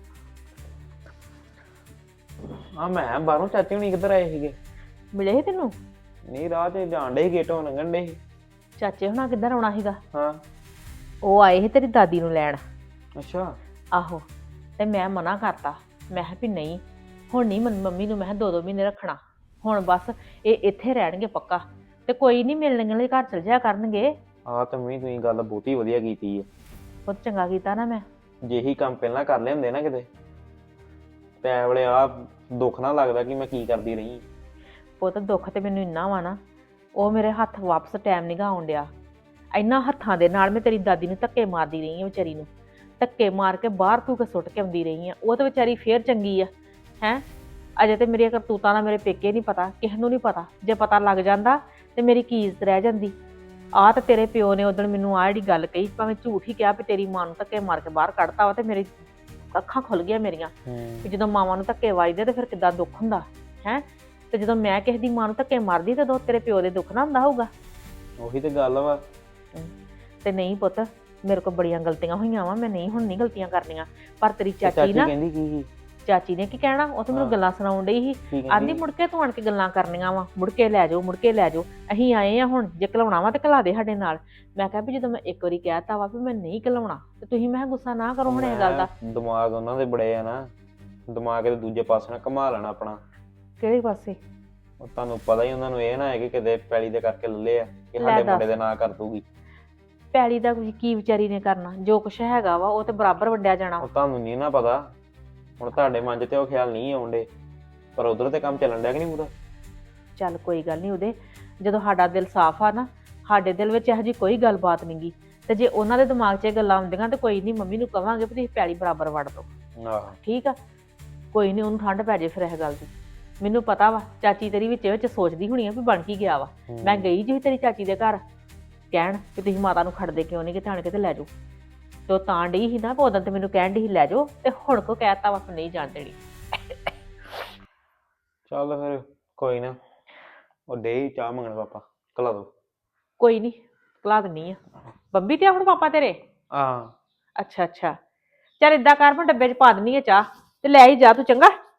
Speaker 7: ਆ ਮੈਂ ਬਾਹਰੋਂ ਚਾਚੀ ਹੁਣੀ ਕਿੱਧਰ ਆਏ ਸੀਗੇ?
Speaker 5: ਮਿਲੇ ਸੀ ਤੈਨੂੰ?
Speaker 7: ਨਹੀਂ ਰਾਹ 'ਚ ਜਾਣ ਡੇ ਸੀ, ਗੇਟੋਂ ਲੰਘਣ ਡੇ ਸੀ।
Speaker 5: ਚਾਚੇ ਹੁਣਾਂ ਕਿੱਧਰ ਆਉਣਾ ਸੀਗਾ?
Speaker 7: ਹਾਂ
Speaker 5: ਉਹ ਆਏ ਸੀ ਤੇਰੀ ਦਾਦੀ ਨੂੰ ਲੈਣ।
Speaker 7: ਅੱਛਾ।
Speaker 5: ਆਹੋ ਤੇ ਮੈਂ ਮਨਾ ਕਰਤਾ, ਮੈਂ ਕਿਹਾ ਵੀ ਨਹੀਂ ਹੁਣ ਨਹੀਂ ਮੰਮੀ ਨੂੰ ਮੈਂ ਕਿਹਾ ਦੋ ਦੋ ਮਹੀਨੇ ਰੱਖਣਾ, ਹੁਣ ਬਸ ਇਹ ਇੱਥੇ ਰਹਿਣਗੇ ਪੱਕਾ ਤੇ ਕੋਈ ਨਹੀਂ ਮਿਲਣ ਲਈ ਘਰ ਚਲ ਜਾਇਆ ਕਰਨਗੇ।
Speaker 7: ਆ ਤਾਂ ਮੰਮੀ ਤੁਸੀਂ ਗੱਲ ਬਹੁਤੀ ਵਧੀਆ ਕੀਤੀ ਆ।
Speaker 5: ਬਹੁਤ ਚੰਗਾ ਕੀਤਾ ਨਾ ਮੈਂ।
Speaker 7: ਜੇ ਇਹੀ ਕੰਮ ਪਹਿਲਾਂ ਕਰ ਲਏ ਹੁੰਦੇ ਨਾ ਕਿਤੇ ਤੇ ਐ ਵੇਲੇ ਆ ਦੁੱਖ ਨਾ ਲੱਗਦਾ ਕਿ ਮੈਂ ਕੀ ਕਰਦੀ ਰਹੀ।
Speaker 5: ਪੁੱਤ ਦੁੱਖ ਤੇ ਮੈਨੂੰ ਇੰਨਾ ਵਾ ਨਾ, ਉਹ ਮੇਰੇ ਹੱਥ ਵਾਪਸ ਟਾਈਮ ਨਹੀਂ ਗਾ ਆਉਣ ਡਿਆ। ਇੰਨਾ ਹੱਥਾਂ ਦੇ ਨਾਲ ਮੈਂ ਤੇਰੀ ਦਾਦੀ ਨੂੰ ਧੱਕੇ ਮਾਰਦੀ ਰਹੀ ਹਾਂ, ਵਿਚਾਰੀ ਨੂੰ ਧੱਕੇ ਮਾਰ ਕੇ ਬਾਹਰ ਤੂੰ ਕੇ ਸੁੱਟ ਕੇ ਆਉਂਦੀ ਰਹੀ ਹਾਂ। ਉਹ ਤਾਂ ਵਿਚਾਰੀ ਫੇਰ ਚੰਗੀ ਆ ਹੈ। ਅਜੇ ਤੇ ਮੇਰੀਆਂ ਕਰਤੂਤਾਂ ਦਾ ਮੇਰੇ ਪੇਕੇ ਨਹੀਂ ਪਤਾ, ਕਿਸੇ ਨੂੰ ਨਹੀਂ ਪਤਾ। ਜੇ ਪਤਾ ਲੱਗ ਜਾਂਦਾ ਤੇ ਮੇਰੀ ਕੀ ਇੱਜ਼ਤ ਰਹਿ ਜਾਂਦੀ। ਆਹ ਤੇ ਤੇਰੇ ਪਿਓ ਨੇ ਉਦੋਂ ਮੈਨੂੰ ਆਹ ਜਿਹੜੀ ਗੱਲ ਕਹੀ, ਭਾਵੇਂ ਝੂਠ ਹੀ ਕਿਹਾ ਵੀ ਤੇਰੀ ਮਾਂ ਨੂੰ ਧੱਕੇ ਮਾਰ ਕੇ ਬਾਹਰ ਕੱਢਤਾ ਵਾ, ਤੇ ਮੇਰੀ ਅੱਖਾਂ ਖੁੱਲ ਗਈਆਂ ਮੇਰੀਆਂ ਵੀ ਜਦੋਂ ਮਾਵਾਂ ਨੂੰ ਧੱਕੇ ਵੱਜਦੇ ਤੇ ਫਿਰ ਕਿੱਦਾਂ ਦੁੱਖ ਹੁੰਦਾ ਹੈ। ਤੇ ਜਦੋਂ ਮੈਂ ਕਿਸੇ ਦੀ ਮਾਂ ਨੂੰ ਧੱਕੇ ਮਾਰਦੀ ਤੇ ਤੇਰੇ ਪਿਓ ਦੇ ਦੁੱਖ ਨਾ ਹੁੰਦਾ ਹੋਊਗਾ।
Speaker 7: ਉਹੀ ਤੇ ਗੱਲ ਵਾ।
Speaker 5: ਤੇ ਨਹੀਂ ਪੁੱਤ ਮੇਰੇ ਕੋਲ ਬੜੀਆਂ ਗਲਤੀਆਂ ਹੋਈਆਂ ਵਾ, ਮੈਂ ਨਹੀਂ ਹੁਣ ਨਹੀਂ ਗਲਤੀਆਂ ਕਰਨੀਆਂ। ਪਰ ਤੇਰੀ ਚਾਚੀ
Speaker 7: ਚਾਚੀ
Speaker 5: ਨਾ,
Speaker 7: ਕਹਿੰਦੀ ਕੀ ਸੀ?
Speaker 5: ਚਾਚੀ ਨੇ ਕੀ ਕਹਿਣਾ, ਉਹ ਤਾਂ ਮੈਨੂੰ
Speaker 7: ਹਾਂ।
Speaker 5: ਗੱਲਾਂ ਸੁਣਾਉਣ ਡਈ ਸੀ।
Speaker 7: ਕੀ
Speaker 5: ਆਂਦੀ
Speaker 7: ਕਹਿੰਦੀ?
Speaker 5: ਮੁੜ ਕੇ ਤੂੰ ਆਣ ਕੇ ਗੱਲਾਂ ਕਰਨੀਆਂ ਵਾ, ਮੁੜ ਕੇ ਲੈ ਜਾਓ ਮੁੜ ਕੇ ਲੈ ਜਾਓ, ਅਸੀਂ ਆਏ ਆ ਹੁਣ, ਜੇ ਘਲਾਉਣਾ ਵਾ ਤੇ ਘਲਾ ਦੇ ਸਾਡੇ ਨਾਲ। ਮੈਂ ਕਿਹਾ ਵੀ ਜਦੋਂ ਮੈਂ ਇੱਕ ਵਾਰੀ ਕਹਿਤਾ ਵਾ ਵੀ ਮੈਂ ਨਹੀਂ ਘਲਾਉਣਾ ਤੇ ਤੁਸੀਂ ਮੈਂ ਕਿਹਾ ਗੁੱਸਾ ਨਾ ਕਰੋ ਹੁਣ ਇਹ ਗੱਲ ਦਾ।
Speaker 7: ਮੈਂ ਦਿਮਾਗ ਉਹਨਾਂ ਦੇ ਬੜੇ ਆ ਨਾ, ਦਿਮਾਗ ਦੇ ਦੂਜੇ ਪਾਸੇ ਨਾਲ ਘੁਮਾ ਲੈਣਾ ਆਪਣਾ।
Speaker 5: ਕਿਹੜੇ ਪਾਸੇ?
Speaker 7: ਉਹ ਤੁਹਾਨੂੰ ਪਤਾ ਹੀ ਉਹਨਾਂ ਨੂੰ ਇਹ ਨਾ ਹੈ ਕਿ ਕਿਤੇ ਪੈਲੀ ਦੇ ਕਰਕੇ ਲੱਲੇ ਆ ਕਿ
Speaker 5: ਲੈ
Speaker 7: ਸਾਡੇ
Speaker 5: ਦੱਸ।
Speaker 7: ਮੁੰਡੇ ਦੇ ਨਾਂ ਕਰ ਦੂਗੀ।
Speaker 5: ਪੈਲੀ ਦਾ ਕੁਝ ਕੀ ਵਿਚਾਰੀ ਨੇ ਕਰਨਾ, ਜੋ ਕੁਛ ਹੈਗਾ ਵਾ ਉਹ ਤੇ ਬਰਾਬਰ ਵੰਡਿਆ ਜਾਣਾ।
Speaker 7: ਉਹ ਤੁਹਾਨੂੰ ਨਹੀਂ ਨਾ ਪਤਾ, ਹੁਣ ਤੁਹਾਡੇ ਮਨ 'ਚ ਤੇ ਉਹ ਖਿਆਲ ਨਹੀਂ ਆਉਂਦੇ, ਪਰ ਉਧਰ ਤੇ ਕੰਮ ਚੱਲਣ ਡਿਆ ਕਿ ਨਹੀਂ ਪੂਰਾ।
Speaker 5: ਚੱਲ ਕੋਈ ਗੱਲ ਨਹੀਂ, ਉਹਦੇ ਜਦੋਂ ਸਾਡਾ ਦਿਲ ਸਾਫ਼ ਆ ਨਾ, ਸਾਡੇ ਦਿਲ ਵਿੱਚ ਇਹੋ ਜਿਹੀ ਕੋਈ ਗੱਲਬਾਤ ਨਹੀਂ ਗੀ। ਤੇ ਜੇ ਉਹਨਾਂ ਦੇ ਦਿਮਾਗ 'ਚ ਇਹ ਗੱਲਾਂ ਆਉਂਦੀਆਂ ਤੇ ਕੋਈ ਨਹੀਂ, ਮੰਮੀ ਨੂੰ ਕਵਾਂਗੇ ਵੀ ਤੁਸੀਂ ਪੈਲੀ ਬਰਾਬਰ ਵੰਡ ਦਿਓ।
Speaker 7: ਆਹੋ
Speaker 5: ਠੀਕ ਆ, ਕੋਈ ਨਹੀਂ, ਉਹਨੂੰ ਠੰਡ ਪੈ ਜੇ ਫਿਰ ਇਹ ਗੱਲ ਦੀ। ਮੈਨੂੰ ਪਤਾ ਵਾ ਚਾਚੀ ਤੇਰੀ ਵਿੱਚ ਵਿੱਚ ਸੋਚਦੀ ਹੋਣੀ ਆ ਵੀ ਬਣ ਕੀ ਗਿਆ ਵਾ। ਮੈਂ ਗਈ ਜੀ ਤੇਰੀ ਚਾਚੀ ਦੇ ਘਰ ਕਹਿਣ ਕਿ ਤੁਸੀਂ ਮਾਤਾ ਨੂੰ ਖੜਦੇ ਕਿਉਂ ਨਹੀਂ, ਕਿ ਆਣ ਕੇ ਤੇ ਲੈ ਜਾਓ। ਤੇ ਉਹ ਤਾਂ ਡਈ ਸੀ ਨਾ, ਉਦੋਂ ਤੇ ਮੈਨੂੰ ਕਹਿਣ ਡਈ ਸੀ ਲੈ ਜਾਓ, ਤੇ ਹੁਣ ਕੋ ਕਹਿਤਾ ਵਾ ਨਹੀਂ ਜਾਣ ਦੇਣੀ।
Speaker 7: ਚੱਲ ਫਿਰ ਕੋਈ ਨਾ, ਉਹ ਡੇ ਚਾਹ ਮੰਗਣ ਪਾਪਾ, ਕਲਾ ਦੋ।
Speaker 5: ਕੋਈ ਨਹੀਂ ਭੁਲਾ ਦਿੰਨੀ ਆ। ਬੰਬੀ ਤੇ ਆ ਹੁਣ ਪਾਪਾ ਤੇਰੇ?
Speaker 7: ਹਾਂ
Speaker 5: ਅੱਛਾ ਅੱਛਾ, ਚੱਲ ਏਦਾਂ ਕਰ ਮੈਂ ਡੱਬੇ 'ਚ ਪਾ ਦਿੰਨੀ ਆ ਚਾਹ ਤੇ ਲੈ ਹੀ ਜਾ ਤੂੰ, ਚੰਗਾ।